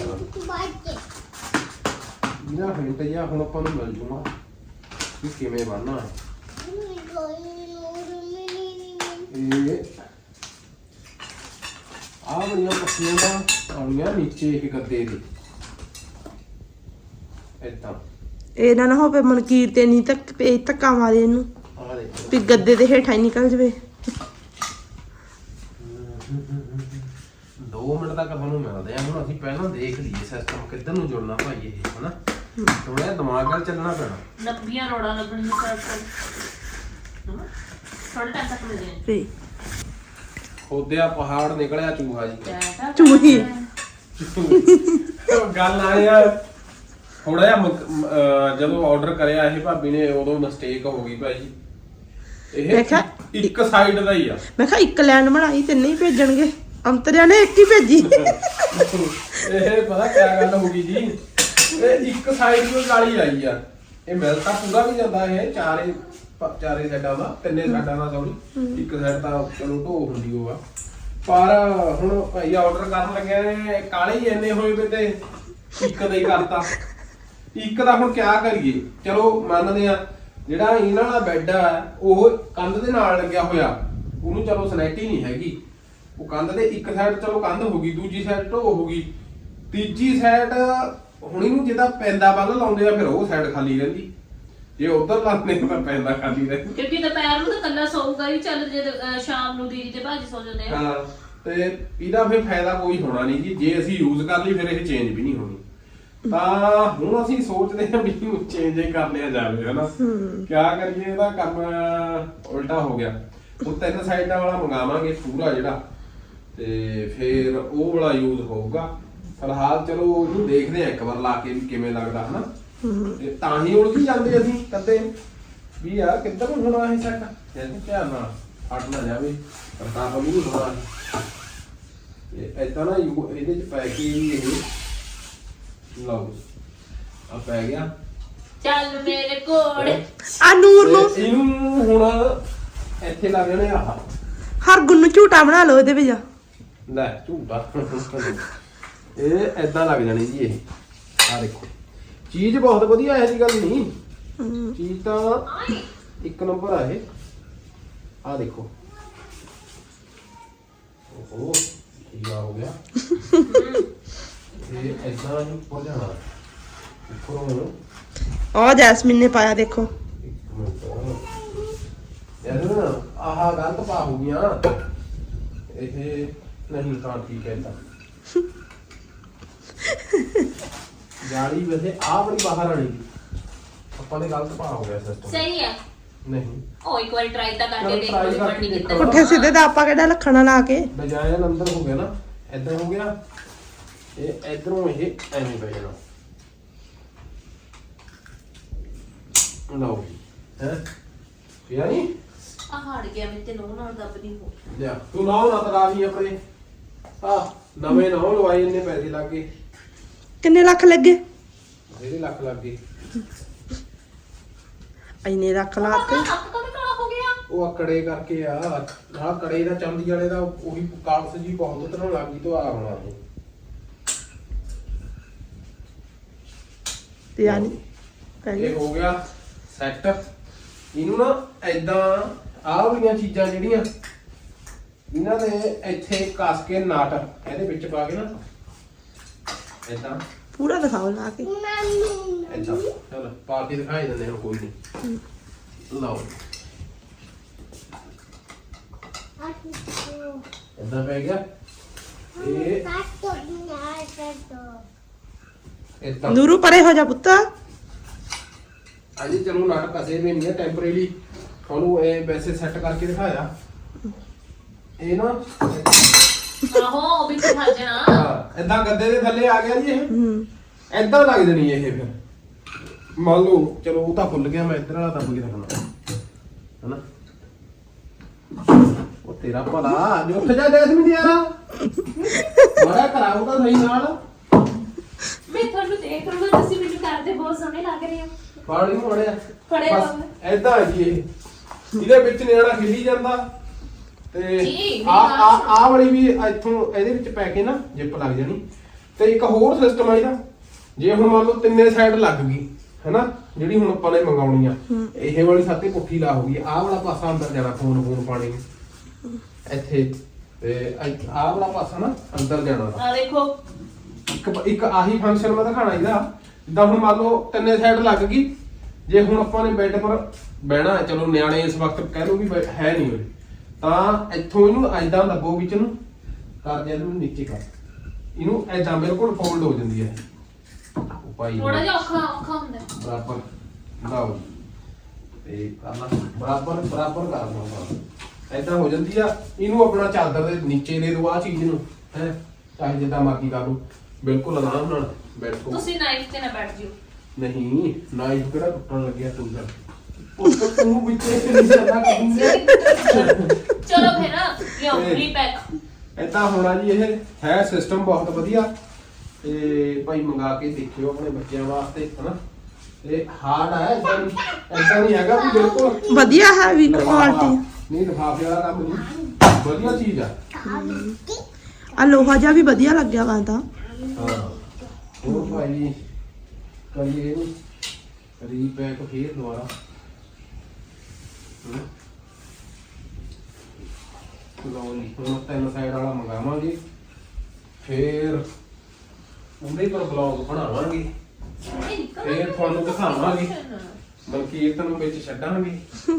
C: ਇਹਨਾਂ ਹਿੰਟ ਜਿਹਾ ਹੁਣ ਆਪਾਂ ਨੂੰ ਮਿਲ ਜੂਗਾ ਕਿ ਕਿਵੇਂ ਬਣਨਾ ਹੈ। ਇਹ ਆ ਬੜੀਆਂ ਪੱਤੀਆਂ ਦਾ ਆਉਣੀਆਂ ਨੀਚੇ ਇੱਕ ਗੱਦੇ ਦੇ ਏਦਾਂ।
A: ਇਹ ਨਾ ਨਾ ਹੋਵੇ ਮਨਕੀਰ ਤੇ ਨਹੀਂ ਤੱਕ ਪੇ ਧੱਕਾ ਮਾਰੇ ਇਹਨੂੰ
C: ਆ ਦੇਖੋ
A: ਵੀ ਗੱਦੇ ਦੇ ਹੇਠਾਂ ਹੀ ਨਿਕਲ ਜਵੇ।
C: ਦੋ ਮਿੰਟ ਤੱਕ ਤੁਹਾਨੂੰ ਮਿਲਦੇ ਆ। ਹੁਣ ਅਸੀਂ ਪਹਿਲਾਂ ਦੇਖ ਲਈਏ ਸਿਸਟਮ ਕਿੱਧਰ ਨੂੰ ਜੁੜਨਾ ਭਾਈ ਇਹ ਹਨਾ ਥੋੜਾ ਦਿਮਾਗ ਨਾਲ ਚੱਲਣਾ ਪੈਣਾ।
B: ਨੱਬੀਆਂ ਰੋੜਾਂ ਲੱਗਣੀਆਂ ਚਾਰ ਚਾਰ ਥੋੜਾ ਟਾਈਮ ਤੱਕ ਮਿਲ ਜਾਏ
A: ਤੇ
C: ਖੋਦਿਆ ਪਹਾੜ ਨਿਕਲਿਆ ਚੂਹਾ ਜੀ।
A: ਚੂਹੀ
C: ਗੱਲ ਆ ਯਾਰ ਥੋੜਾ ਜਿਹਾ ਮੁਕ- ਅਹ ਜਦੋਂ ਆਰਡਰ ਕਰਿਆ ਇਹ ਭਾਬੀ ਨੇ ਉਦੋਂ ਮਿਸਟੇਕ ਹੋ ਗਈ ਭਾਈ। ਇਹ
A: ਮੈਂ ਕਿਹਾ
C: ਇੱਕ ਸਾਈਡ ਦਾ ਹੀ ਆ।
A: ਮੈਂ ਕਿਹਾ ਇੱਕ ਲਾਈਨ ਬਣਾਈ ਤੇ ਨਹੀਂ ਭੇਜਣਗੇ ਅੰਤਰਿਆ ਨੇ ਇੱਕ ਹੀ ਭੇਜੀ।
C: ਇਹ ਪਤਾ ਕੀ ਗੱਲ ਹੋ ਗਈ ਜੀ ਇਹ ਇੱਕ ਸਾਈਡ ਨੂੰ ਗਾਲੀ ਆਈ ਆ। ਇਹ ਮਿਲ ਤਾਂ ਪੂਰਾ ਵੀ ਜਾਂਦਾ ਇਹ ਚਾਰੇ ਪ- ਚਾਰੇ ਸਾਈਡਾਂ ਦਾ ਤਿੰਨੇ ਸਾਈਡਾਂ ਦਾ ਸੌਰੀ ਇੱਕ ਸਾਈਡ ਤਾਂ ਚਲੋ ਢੋ ਹੁੰਦੀ ਉਹ ਆ ਪਰ ਹੁਣ ਭਾਈ ਆਰਡਰ ਕਰਨ ਲੱਗਿਆ ਨੇ ਕਾਲੇ ਹੀ ਇੰਨੇ ਹੋਏ ਵੇ ਤੇ ਇੱਕ ਦਾ ਹੀ ਕਰਤਾ। ਇੱਕ ਦਾ ਹੁਣ ਕਿਆ ਕਰੀਏ ਚਲੋ ਮੰਨਦੇ ਆ ਜਿਹੜਾ ਇਹਨਾਂ ਵਾਲਾ ਬੈੱਡ ਆ ਉਹ ਕੰਧ ਦੇ ਨਾਲ ਲੱਗਿਆ ਹੋਇਆ ਉਹਨੂੰ ਚਲੋ ਸਨੈਟੀ ਨਹੀਂ ਹੈਗੀ ਉਹ ਕੰਧ ਦੇ ਇੱਕ ਸਾਈਡ ਚਲੋ ਕੰਧ ਹੋ ਗਈ ਦੂਜੀ ਸਾਈਡ ਢੋ ਹੋ ਗਈ ਤੀਜੀ ਸਾਈਡ ਹੁਣ ਇਹਨੂੰ ਜਿੱਦਾਂ ਪੈਂਦਾ ਵੱਲ ਲਾਉਂਦੇ ਆ ਫਿਰ ਉਹ ਸਾਈਡ ਖਾਲੀ ਰਹਿੰਦੀ ਜੇ ਉਧਰ ਲਾਉਂਦੇ ਤਾਂ ਪੈਂਦਾ ਖਾਲੀ ਰਹਿੰਦੀ।
B: ਕਿਉਂਕਿ ਦੁਪਹਿਰ ਨੂੰ ਤਾਂ ਕੱਲਾ ਸੌਊਗਾ ਹੀ ਚੱਲ ਜੇ ਅਹ ਸ਼ਾਮ ਨੂੰ ਦੀਦੀ ਤੇ ਭਾਜੀ ਸੌ ਜਾਂਦੇ ਆ।
C: ਹਾਂ ਤੇ ਇਹਦਾ ਫਿਰ ਫਾਇਦਾ ਕੋਈ ਹੋਣਾ ਨਹੀਂ ਜੀ ਜੇ ਅਸੀਂ ਯੂਜ਼ ਕਰ ਲਈ ਫਿਰ ਇਹ ਚੇਂਜ ਵੀ ਨਹੀਂ ਹੋਣੀ। ਤਾਂ ਹੁਣ ਅਸੀਂ ਸੋਚਦੇ ਹਾਂ ਵੀ ਇਹਨੂੰ ਚੇਂਜ ਹੀ ਕਰ ਲਿਆ ਜਾਵੇ ਹਨਾ ਕਿਆ ਕਰੀਏ ਇਹਦਾ ਕੰਮ ਉਲਟਾ ਹੋ ਗਿਆ। ਹੁਣ ਤਿੰਨ ਸਾਈਡਾਂ ਵਾਲਾ ਮੰਗਾਵਾਂਗੇ ਪੂਰਾ ਜਿਹੜਾ ਤੇ ਫਿਰ ਉਹ ਵਾਲਾ ਯੂਜ਼ ਹੋਊਗਾ। ਫਿਲਹਾਲ ਚਲੋ ਉਹਨੂੰ ਦੇਖਦੇ ਆ ਇੱਕ ਵਾਰ ਲਾ ਕੇ ਵੀ ਕਿਵੇਂ ਲੱਗਦਾ ਹਨਾ ਤੇ ਤਾਂ ਹੀ ਉਲਝ ਜਾਂਦੇ ਅਸੀਂ ਕਦੇ ਵੀ ਯਾਰ ਕਿੱਧਰ ਨੂੰ ਹੋਣਾ ਇਹ ਸੈੱਟ ਇਹਨੂੰ ਧਿਆਨ ਨਾਲ ਹਟ ਨਾ ਜਾਵੇ ਰਕਾਬ ਵੀ ਨਹੀਂ ਹੋਣਾ ਇਹ ਏਦਾਂ ਨਾ ਯੂ- ਇਹਦੇ ਚ ਪੈ ਕੇ ਵੀ ਇਹ ਲਓ ਆ ਪੈ ਗਿਆ।
B: ਚੱਲ ਮੇਰੇ ਕੋਲ
A: ਆ ਨੂਰ ਨੂੰ
C: ਤੇ ਇਹਨੂੰ ਹੁਣ ਇੱਥੇ ਲੱਗ ਜਾਣੇ ਆਹ
A: ਹਰ ਗੁੰਨ ਨੂੰ ਝੂਟਾ ਬਣਾ ਲਓ ਇਹਦੇ ਵਿੱਚ।
C: ਲੈ ਝੂਟਾ ਇਹ ਏਦਾਂ ਲੱਗ ਜਾਣੀ ਜੀ ਇਹ ਆ ਦੇਖੋ ਚੀਜ਼ ਬਹੁਤ ਵਧੀਆ ਹੈ ਜੀ ਗੱਲ ਨਹੀਂ ਚੀਜ਼ ਤਾਂ ਇੱਕ ਨੰਬਰ ਆ ਇਹ ਆ ਦੇਖੋ ਓਹੋ ਕੀ ਆ ਹੋ ਗਿਆ ਇਹ ਏਦਾਂ ਹੀ ਹੋ ਜਾਣਾ ਉੱਪਰੋਂ
A: ਆ ਜੈਸਮੀਨ ਨੇ ਪਾਇਆ ਦੇਖੋ।
C: ਇੱਕ ਮਿੰਟ ਯਾਰ ਨਾ ਆਹ ਗਲਤ ਪਾ ਹੋ ਗਈਆਂ ਇਹ ਨਹੀਂ ਤਾਂ ਠੀਕ ਹੈ ਤਾਂ ਜਾਲੀ ਵੈਸੇ ਆ ਬੜੀ ਬਾਹਰ ਆਣੀ ਆਪਾਂ ਨੇ ਗਲਤ ਪਾ ਹੋ ਗਿਆ ਸਿਸਟਮ
B: ਸਹੀ ਹੈ
C: ਨਹੀਂ
B: ਉਹ ਇੱਕ ਵਾਰੀ ਟਰਾਈ ਤਾਂ ਕਰਕੇ
C: ਚਲੋ
B: ਦੇਖੋ
C: try
B: ਜੇ
C: ਕਰਕੇ
B: ਬਣਨੀ
C: ਦੇਖੋ।
B: ਕਿੱਦਾਂ।
A: ਪੁੱਠੇ ਸਿੱਧੇ ਦਾ ਆਪਾਂ ਕਿਹੜਾ ਲੱਖਣਾ ਲਾ ਕੇ
C: ਡਿਜ਼ਾਈਨ ਅੰਦਰ ਹੋ ਗਿਆ ਨਾ ਏਦਾਂ ਹੋ ਗਿਆ ਇਹ ਇਧਰੋਂ ਇਹ ਐਵੇਂ ਪੈ ਜਾਣਾ ਲਓ ਹੈ ਪਿਆ ਨਹੀਂ
B: ਆ ਹਟ ਗਿਆ ਮੈਂ ਤੇ ਨੋ ਨਾਲ ਦੱਬ ਨਹੀਂ ਹੋ
C: ਲਿਆ ਤੂੰ ਨਾ ਨਾ ਤਰਾ ਲਈ ਆਪਣੇ ਆ ਨਵੇਂ ਨਾ ਲਵਾਏ ਇੰਨੇ ਪੈਸੇ ਲੱਗੇ
A: ਕਿੰਨੇ ਲੱਖ ਲੱਗੇ?
C: ਇਹਦੇ ਲੱਖ ਲੱਗ ਗਏ
A: ਇੰਨੇ ਲੱਖ ਲਾਤੇ।
B: ਹੱਥ ਕਦੇ ਕਾਲਾ ਹੋ ਗਿਆ
C: ਉਹ ਆ ਕੜੇ ਕਰਕੇ ਆ ਨਾਲ ਕੜੇ ਦਾ ਚਾਂਦੀ ਵਾਲੇ ਦਾ ਉਹੀ ਕਾਲਸ ਜੀ ਬਹੁਤ ਤਰ੍ਹਾਂ ਲੱਗ ਗਈ ਤੋਂ ਆ ਹੋਣਾ ਇਹ
A: ਤੇ ਯਾਨੀ
C: ਇਹ ਹੋ ਗਿਆ ਸੈੱਟ ਇਹਨੂੰ ਨਾ ਐਦਾਂ ਆਹ ਵਾਲੀਆਂ ਚੀਜ਼ਾਂ ਜਿਹੜੀਆਂ ਇਹਨਾਂ ਦੇ ਇੱਥੇ ਕੱਸ ਕੇ ਨਾਟ ਇਹਦੇ ਵਿੱਚ ਪਾ ਕੇ ਨਾ ਐਦਾਂ
A: ਪੂਰਾ ਦਿਖਾਓ ਲਾ ਕੇ।
C: ਐਦਾਂ ਚਲ ਪਾ ਕੇ ਦਿਖਾਈ ਦਿੰਦੇ ਹਾਂ ਕੋਈ ਨਹੀਂ ਲਓ ਐਦਾਂ ਪੈ ਗਿਆ ਇਹ ਐਦਾਂ
A: ਨੂਰੂ ਪਰੇ ਹੋ ਜਾ ਪੁੱਤ।
C: ਅਜੇ ਚਲੋ ਨਾਟਕ ਕਸੇ ਵੀ ਨਹੀਂ ਹੈ ਟੈਂਪਰੇਰੀ ਤੁਹਾਨੂੰ ਇਹ ਵੈਸੇ ਸੈੱਟ ਕਰਕੇ ਦਿਖਾਇਆ ਇਹ ਨਾ
B: ਆਹੋ ਉਹ ਵੀ ਤੇ ਖਾ ਜਾਣਾ
C: ਹਾਂ ਏਦਾਂ ਗੱਦੇ ਦੇ ਥੱਲੇ ਆ ਗਿਆ ਜੀ ਇਹ
A: ਹੂੰ
C: ਏਦਾਂ ਲੱਗ ਜਣੀ ਇਹ ਫਿਰ ਮੰਨ ਲਓ ਚਲੋ ਉਹ ਤਾਂ ਭੁੱਲ ਗਿਆ ਮੈਂ ਇੱਧਰ ਵਾਲਾ ਦੱਬ ਕੇ ਰੱਖਣਾ ਹਨਾ ਉਹ ਤੇਰਾ ਭਲਾ ਜੋ ਉੱਠ ਜਾ ਜੈਸਮੀਨ ਦੀ ਯਾਰਾ ਮਾਰਾ ਕਰਾਉ ਤਾਂ ਸਹੀ ਨਾਲ
B: ਮੈਂ ਤੁਹਾਨੂੰ ਦੇਖ ਰਿਹਾ ਤੁਸੀਂ ਮੈਨੂੰ ਕਰਦੇ ਬਹੁਤ ਸੋਹਣੇ ਲੱਗ ਰਹੇ ਹੋ
C: ਫਾੜੀ ਮੋੜਿਆ
B: ਫੜਿਆ
C: ਬਸ
B: ਹੋਇਆ।
C: ਏਦਾਂ ਹੈ ਜੀ ਇਹ ਇਹਦੇ ਵਿੱਚ ਨਿਆਣਾ ਖੇਲੀ ਜਾਂਦਾ ਤੇ
B: ਜੀ,
C: ਆ ਆ ਆ ਵਾਲੀ ਵੀ ਇੱਥੋਂ ਇਹਦੇ ਵਿੱਚ ਪੈ ਕੇ ਨਾ ਜਿੱਪ ਲੱਗ ਜਾਣੀ ਤੇ ਇੱਕ ਹੋਰ ਸਿਸਟਮ ਆ ਇਹਦਾ ਜੇ ਹੁਣ ਮੰਨ ਲਓ ਤਿੰਨੇ ਸਾਈਡ ਲੱਗ ਗਈ ਹੈਨਾ ਜਿਹੜੀ ਹੁਣ ਆਪਾਂ ਨੇ ਮੰਗਾਉਣੀ ਆ ਇਹ ਵਾਲੀ ਸਾਤੇ ਪੁੱਠੀ ਲਾ ਹੋ ਗਈ ਆਹ ਵਾਲਾ ਪਾਸਾ ਅੰਦਰ ਜਾਣਾ ਫੋਨ ਫੋਨ ਪਾਣੀ ਨੂੰ ਇੱਥੇ ਤੇ ਆਹ ਵਾਲਾ ਪਾਸਾ ਨਾ ਅੰਦਰ ਜਾਣਾ
B: ਆ ਦੇਖੋ
C: ਇੱਕ ਇੱਕ ਆਹੀ ਫੰਕਸ਼ਨ ਮੈਂ ਦਿਖਾਣਾ ਇਹਦਾ ਜਿੱਦਾਂ ਹੁਣ ਮੰਨ ਲਓ ਤਿੰਨੇ ਸਾਈਡ ਲੱਗ ਗਈ ਜੇ ਹੁਣ ਆਪਾਂ ਨੇ ਬੈੱਡ ਪਰ ਬਹਿਣਾ ਹੈ, ਚਲੋ ਨਿਆਣੇ ਇਸ ਵਕਤ ਕਹਿ ਲਓ ਵੀ ਬੈ- ਹੈ ਨਹੀਂ ਹੋਏ, ਤਾਂ ਇੱਥੋਂ ਇਹਨੂੰ ਐਦਾਂ ਦੱਬੋ ਵਿੱਚ ਨੂੰ ਕਰ ਦਿਆ, ਇਹਨੂੰ ਨੀਚੇ ਕਰ, ਇਹਨੂੰ ਐਦਾਂ ਬਿਲਕੁਲ ਫੋਲਡ ਹੋ ਜਾਂਦੀ ਹੈ। ਉਹ ਭਾਈ
B: ਥੋੜਾ ਜਿਹਾ ਔਖਾ ਔਖਾ ਹੁੰਦਾ ਹੈ।
C: ਬਰਾਬਰ ਲਾਓ ਤੇ ਕਰਨਾ ਬਰਾਬਰ ਬਰਾਬਰ ਕਰ ਲਓ, ਐਦਾਂ ਹੋ ਜਾਂਦੀ ਆ। ਇਹਨੂੰ ਆਪਣਾ ਚਾਦਰ ਦੇ ਨੀਚੇ ਦੇ ਦਿਓ ਆ ਚੀਜ਼ ਨੂੰ, ਹੈ ਚਾਹੇ ਜਿੱਦਾਂ ਮਰਜ਼ੀ ਕਰ ਲਓ, ਬਿਲਕੁਲ ਆਰਾਮ ਨਾਲ ਬੈਠੋ।
B: ਤੁਸੀਂ ਨਾਈਫ ਤੇ ਨਾ ਬੈਠ ਜਿਓ।
C: ਨਹੀਂ ਨਾਈਫ ਕਿਹੜਾ ਟੁੱਟਣ ਲੱਗਿਆ ਤੂੰ ਦਾ ਉਸ ਤੋਂ ਤੂੰ ਵਿੱਚ ਨਹੀਂ ਚੱਲਣਾ ਕਿੰਨੇ।
B: ਚਲੋ ਫਿਰ ਲਿਓ ਰੀਪੈਕ।
C: ਏਦਾਂ ਹੋਣਾ ਜੀ, ਇਹ ਹੈ ਸਿਸਟਮ ਬਹੁਤ ਵਧੀਆ ਤੇ ਭਾਈ ਮੰਗਾ ਕੇ ਦੇਖਿਓ ਆਪਣੇ ਬੱਚਿਆਂ ਵਾਸਤੇ, ਹਨਾ। ਤੇ ਹਾਰਡ ਹੈ, ਏਦਾਂ ਨਹੀਂ ਏਦਾਂ ਨਹੀਂ ਹੈਗਾ ਵੀ ਬਿਲਕੁਲ
A: ਵਧੀਆ ਹੈ ਵੀ ਕੁਆਲਿਟੀ।
C: ਨਹੀਂ ਲਿਫਾਫੇ ਵਾਲਾ ਕੰਮ ਨਹੀਂ, ਵਧੀਆ ਚੀਜ਼ ਆ।
A: ਆ ਲੋਹਾ ਜਿਹਾ ਵੀ ਵਧੀਆ ਲੱਗਿਆ ਵਾ ਤਾਂ।
C: ਹਾਂ ਹੋਰ ਭਾਈ ਕਰੀਏ ਇਹਨੂੰ ਰੀਪੈਕ ਫੇਰ ਦੁਬਾਰਾ। ਹਮ। ਲਓ ਜੀ ਹੁਣ ਤਿੰਨ ਸਾਈਡ ਵਾਲਾ ਮੰਗਾਵਾਂਗੇ, ਫੇਰ ਉਹਦੇ ਪਰ ਬਲੌਗ ਬਣਾਵਾਂਗੇ, ਫੇਰ ਤੁਹਾਨੂੰ ਦਿਖਾਵਾਂਗੇ, ਮਲਕੀਤ ਨੂੰ ਵਿੱਚ ਛੱਡਾਂਗੇ।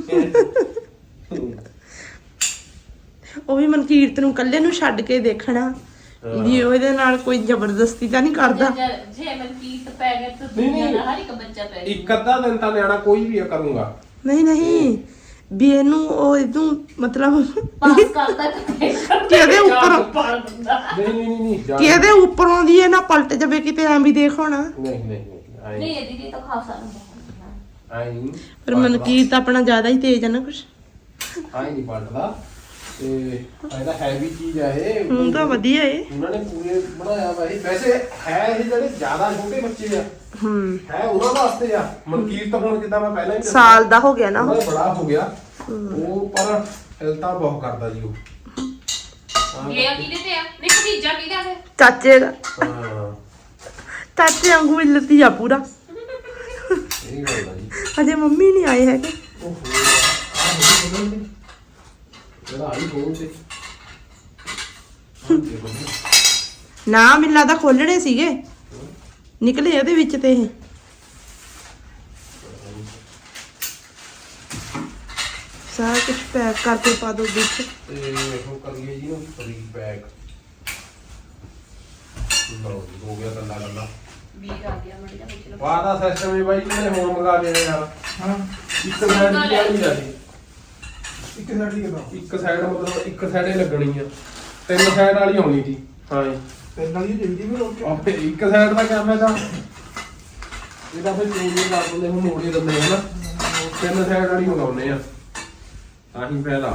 A: ਉਹ ਵੀ ਮਨਕੀਰਤ ਨੂੰ ਇਕੱਲੇ ਨੂੰ ਛੱਡ ਕੇ ਦੇਖਣਾ ਵੀ ਉਹਦੇ ਨਾਲ ਕੋਈ ਜ਼ਬਰਦਸਤੀ ਤਾਂ ਨਹੀਂ ਕਰਦਾ।
B: ਜੇ ਜੇ ਮਨਕੀਰਤ ਪੈ ਗਿਆ ਤਾਂ
C: ਨਹੀਂ,
B: ਦੁਨੀਆ
C: ਨਹੀਂ।
B: ਦਾ ਹਰ ਇੱਕ ਬੱਚਾ ਪੈ ਗਿਆ।
C: ਇੱਕ ਅੱਧਾ ਦਿਨ ਤਾਂ ਨਿਆਣਾ ਕੋਈ ਵੀ ਆ ਕਰੂੰਗਾ।
A: ਨਹੀਂ ਨਹੀਂ ਵੀ ਇਹਨੂੰ ਉਹ ਇਹਨੂੰ ਮਤਲਬ
B: ਪਾਸ ਕਰਦਾ ਤੇ
A: ਕਿ ਇਹਦੇ ਉੱਪਰ
B: ਪਾਲ ਦਿੰਦਾ।
C: ਨਹੀਂ ਨਹੀਂ ਨਹੀਂ ਨਹੀਂ ਜਾ-
A: ਕਿ ਇਹਦੇ ਉੱਪਰੋਂ ਦੀ ਇਹ ਨਾ ਪਲਟ ਜਾਵੇ ਕਿਤੇ ਐਂ ਵੀ ਦੇਖ ਹੋਣਾ।
C: ਨਹੀਂ ਨਹੀਂ ਨਹੀਂ ਆਏਂ-
B: ਨਹੀਂ ਇਹਦੀ ਵੀ ਤਾਂ ਖਾਸਾ ਹੁੰਦਾ।
C: ਆਏਂ ਨਹੀਂ
A: ਪਰ ਮਨਕੀਰਤ ਆਪਣਾ ਜ਼ਿਆਦਾ ਹੀ ਤੇਜ਼ ਆ ਨਾ ਕੁਛ।
C: ਆਏਂ ਨਹੀਂ ਪਲਟਦਾ ਤੇ ਇਹਦਾ ਹੈਵੀ ਚੀਜ਼ ਆ ਇਹ।
A: ਹੁਣ ਤਾਂ ਵਧੀਆ ਏ।
C: ਉਹਨਾਂ ਨੇ ਪੂਰੇ ਬਣਾਇਆ ਵਾ ਇਹ। ਵੈਸੇ ਹੈ ਇਹ ਜਿਹੜੇ ਜ਼ਿਆਦਾ ਛੋਟੇ ਬੱਚੇ ਆ,
A: ਹੂੰ
C: ਹੈ ਉਹਨਾਂ ਵਾਸਤੇ ਆ। ਮਨਕੀਰਤ ਹੁਣ ਜਿੱਦਾਂ ਮੈਂ ਪਹਿਲਾਂ ਹੀ ਦੱਸਿਆ,
A: ਸਾਲ ਦਾ ਹੋ ਗਿਆ ਨਾ
C: ਉਹਦਾ ਬੜਾ ਹੋ ਗਿਆ ਉਹ, ਪਰ ਹਿਲਤਾ ਬਹੁਤ ਕਰਦਾ ਜੀ ਉਹ।
B: ਇਹ ਆ ਕਿਹਦੇ ਤੇ ਆ? ਨਹੀਂ ਭਤੀਜਾ ਕਿਹਦਾ ਹੈ?
A: ਚਾਚੇ ਦਾ।
C: ਹਾਂ
A: ਚਾਚੇ ਵਾਂਗੂ ਹੀ ਲੱਤੀ ਆ ਪੂਰਾ।
C: ਇਹ ਗੱਲ ਆ ਜੀ।
A: ਅਜੇ ਮੰਮੀ ਨਹੀਂ ਆਏ ਹੈਗੇ।
C: ਉਹ ਹੋ ਜਿਹੜਾ ਆਈ ਬੋਲ ਤੇ
A: ਨਾ ਮੈਨੂੰ ਲੱਗਦਾ ਖੋਲਣੇ ਸੀਗੇ, ਨਿਕਲੇ ਇਹਦੇ ਵਿੱਚ ਤੇ ਇਹ। ਸਾਰਾ ਕੁਝ ਪੈਕ ਕਰਕੇ ਪਾ ਦੋ ਵਿੱਚ।
C: ਤੇ ਉਹ ਕਰੀਏ ਜੀ ਨੂੰ ਫਰੀ ਬੈਗ। ਲਓ ਜੀ, ਹੋ ਗਿਆ ਗੱਲਾਂ ਗੱਲਾਂ।
B: ਵੀਰ ਆ ਗਿਆ ਮੜ ਜਾ ਵਿੱਚ।
C: ਬਾਹਰ ਦਾ ਸਿਸਟਮ ਹੀ ਬਾਈ ਕਿਹਨੇ ਹੁਣ ਮੰਗਾ ਲਿਆ ਯਾਰ। ਹਾਂ ਇੱਕ ਸਾਈਡ ਦੀ ਆ ਨਹੀਂ ਜਾਂਦੀ,
E: ਇੱਕ ਸਾਈਡ ਦੀ ਕਿਦਾਂ
C: ਇੱਕ ਸਾਈਡ ਮਤਲਬ ਇੱਕ ਸਾਈਡੇ ਲੱਗਣੀ ਆ, ਤਿੰਨ ਸਾਈਡ ਵਾਲੀ ਆਉਣੀ ਸੀ। ਹਾਂ ਜੀ
E: ਤਿੰਨ ਵਾਲੀ ਚਾਹੀਦੀ ਵੀ ਲੋਕ
C: ਆਪੇ ਇੱਕ ਸਾਈਡ ਦਾ ਕੰਮ ਹੈਗਾ, ਇਹਦਾ ਫਿਰ ਚੇਂਜ ਕਰ ਦਿੰਦੇ, ਹੁਣ ਮੋੜੇ ਦਿੰਦੇ ਆ ਨਾ, ਤਿੰਨ ਸਾਈਡ ਵਾਲੀ ਮੰਗਾਉਨੇ ਆ ਤਾਂ ਹੀ ਫਾਇਦਾ।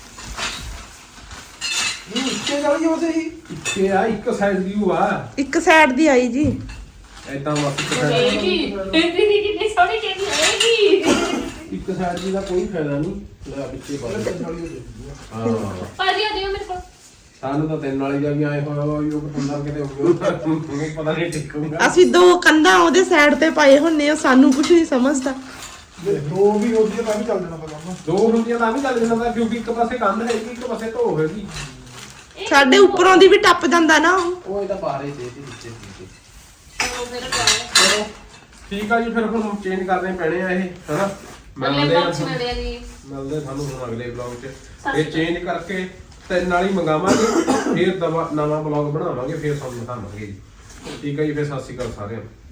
E: ਨਹੀਂ ਇੱਕੇ ਵਾਲੀ ਹੋ ਸਹੀ।
C: ਇੱਕੇ ਆ, ਇੱਕ ਸਾਈਡ ਦੀ ਉਹ ਆ,
A: ਇੱਕ ਸਾਈਡ ਦੀ ਆਈ ਜੀ।
C: ਏਦਾਂ ਬਸ ਇੱਕ
B: ਇਹ
C: ਸਾਈਡ
B: ਕੀ ਇਹ ਵੀ ਕਿੰਨੀ ਸੋਹਣੀ ਕਹਿੰਦੀ ਹੈ ਕੀ।
C: ਇੱਕ ਸਾਈਡ ਦੀ ਦਾ ਕੋਈ ਫਾਇਦਾ ਨਹੀਂ। ਲੈ ਪਿੱਛੇ ਪਾ ਦੇ।
E: ਤਿੰਨ ਵਾਲੀ ਹੋ ਚਾਹੀਦੀ ਆ।
C: ਹਾਂ
B: ਭਾਜੀ ਆ ਦਿਓ ਮੇਰੇ ਕੋਲ।
C: ਸਾਨੂੰ ਤਾਂ ਤਿੰਨ ਵਾਲੀ ਦਾ ਵੀ ਆਏ ਹੋਇਆ ਵਾ, ਉਹ ਪਤੰਦਰ ਕਿਤੇ ਹੋ ਗਿਆ ਪਤਾ ਨਹੀਂ ਟਿਕੂਗਾ।
A: ਅਸੀਂ ਦੋ ਕੰਧਾਂ ਉਹਦੇ ਸਾਈਡ ਤੇ ਪਾਏ ਹੁੰਨੇ ਆ, ਸਾਨੂੰ ਕੁਝ ਨਹੀਂ ਸਮਝਦਾ।
E: ਜੇ ਦੋ ਵੀ ਹੁੰਦੀ ਆ ਤਾਂ ਵੀ ਚੱਲ ਜਾਣਾ ਤਾਂ ਕੰਮ।
C: ਦੋ ਹੁੰਦੀਆਂ ਤਾਂ ਵੀ ਚੱਲ ਜਾਂਦਾ, ਕਿਉਂਕਿ ਇੱਕ ਪਾਸੇ ਕੰਧ ਹੈਗੀ, ਇੱਕ ਪਾਸੇ ਢੋ ਹੈਗੀ।
A: ਸਾਡੇ ਉੱਪਰੋਂ ਦੀ ਵੀ ਟੱਪ ਜਾਂਦਾ ਨਾ ਉਹ।
C: ਉਹ ਇਹਦਾ ਬਾਰੇ ਦੇ ਦੇ ਨੀਚੇ ਨੀਚੇ।
B: ਚਲੋ ਫਿਰ ਪਾਓ।
C: ਚਲੋ ਠੀਕ ਆ ਜੀ, ਫਿਰ ਹੁਣ ਚੇਂਜ ਕਰਨੇ ਪੈਣੇ ਆ ਇਹ, ਹਨਾ।
B: ਅਗਲੇ
C: ਮਿਲਦੇ ਆ
B: ਬਾਕਸ ਮਿਲਿਆ ਜੀ।
C: ਮਿਲਦੇ ਸਾਨੂੰ ਹੁਣ ਅਗਲੇ ਵਲੌਗ 'ਚ। ਇਹ ਚੇਂਜ ਕਰਕੇ ਤਿੰਨ ਵਾਲੀ ਮੰਗਾਵਾਂਗੇ, ਫਿਰ ਦਵਾ ਨਵਾਂ ਵਲੌਗ ਬਣਾਵਾਂਗੇ, ਫਿਰ ਤੁਹਾਨੂੰ ਦਿਖਾਵਾਂਗੇ ਜੀ। ਠੀਕ ਆ ਜੀ, ਫਿਰ ਸਤਿ ਸ਼੍ਰੀ ਅਕਾਲ ਸਾਰਿਆਂ ਨੂੰ।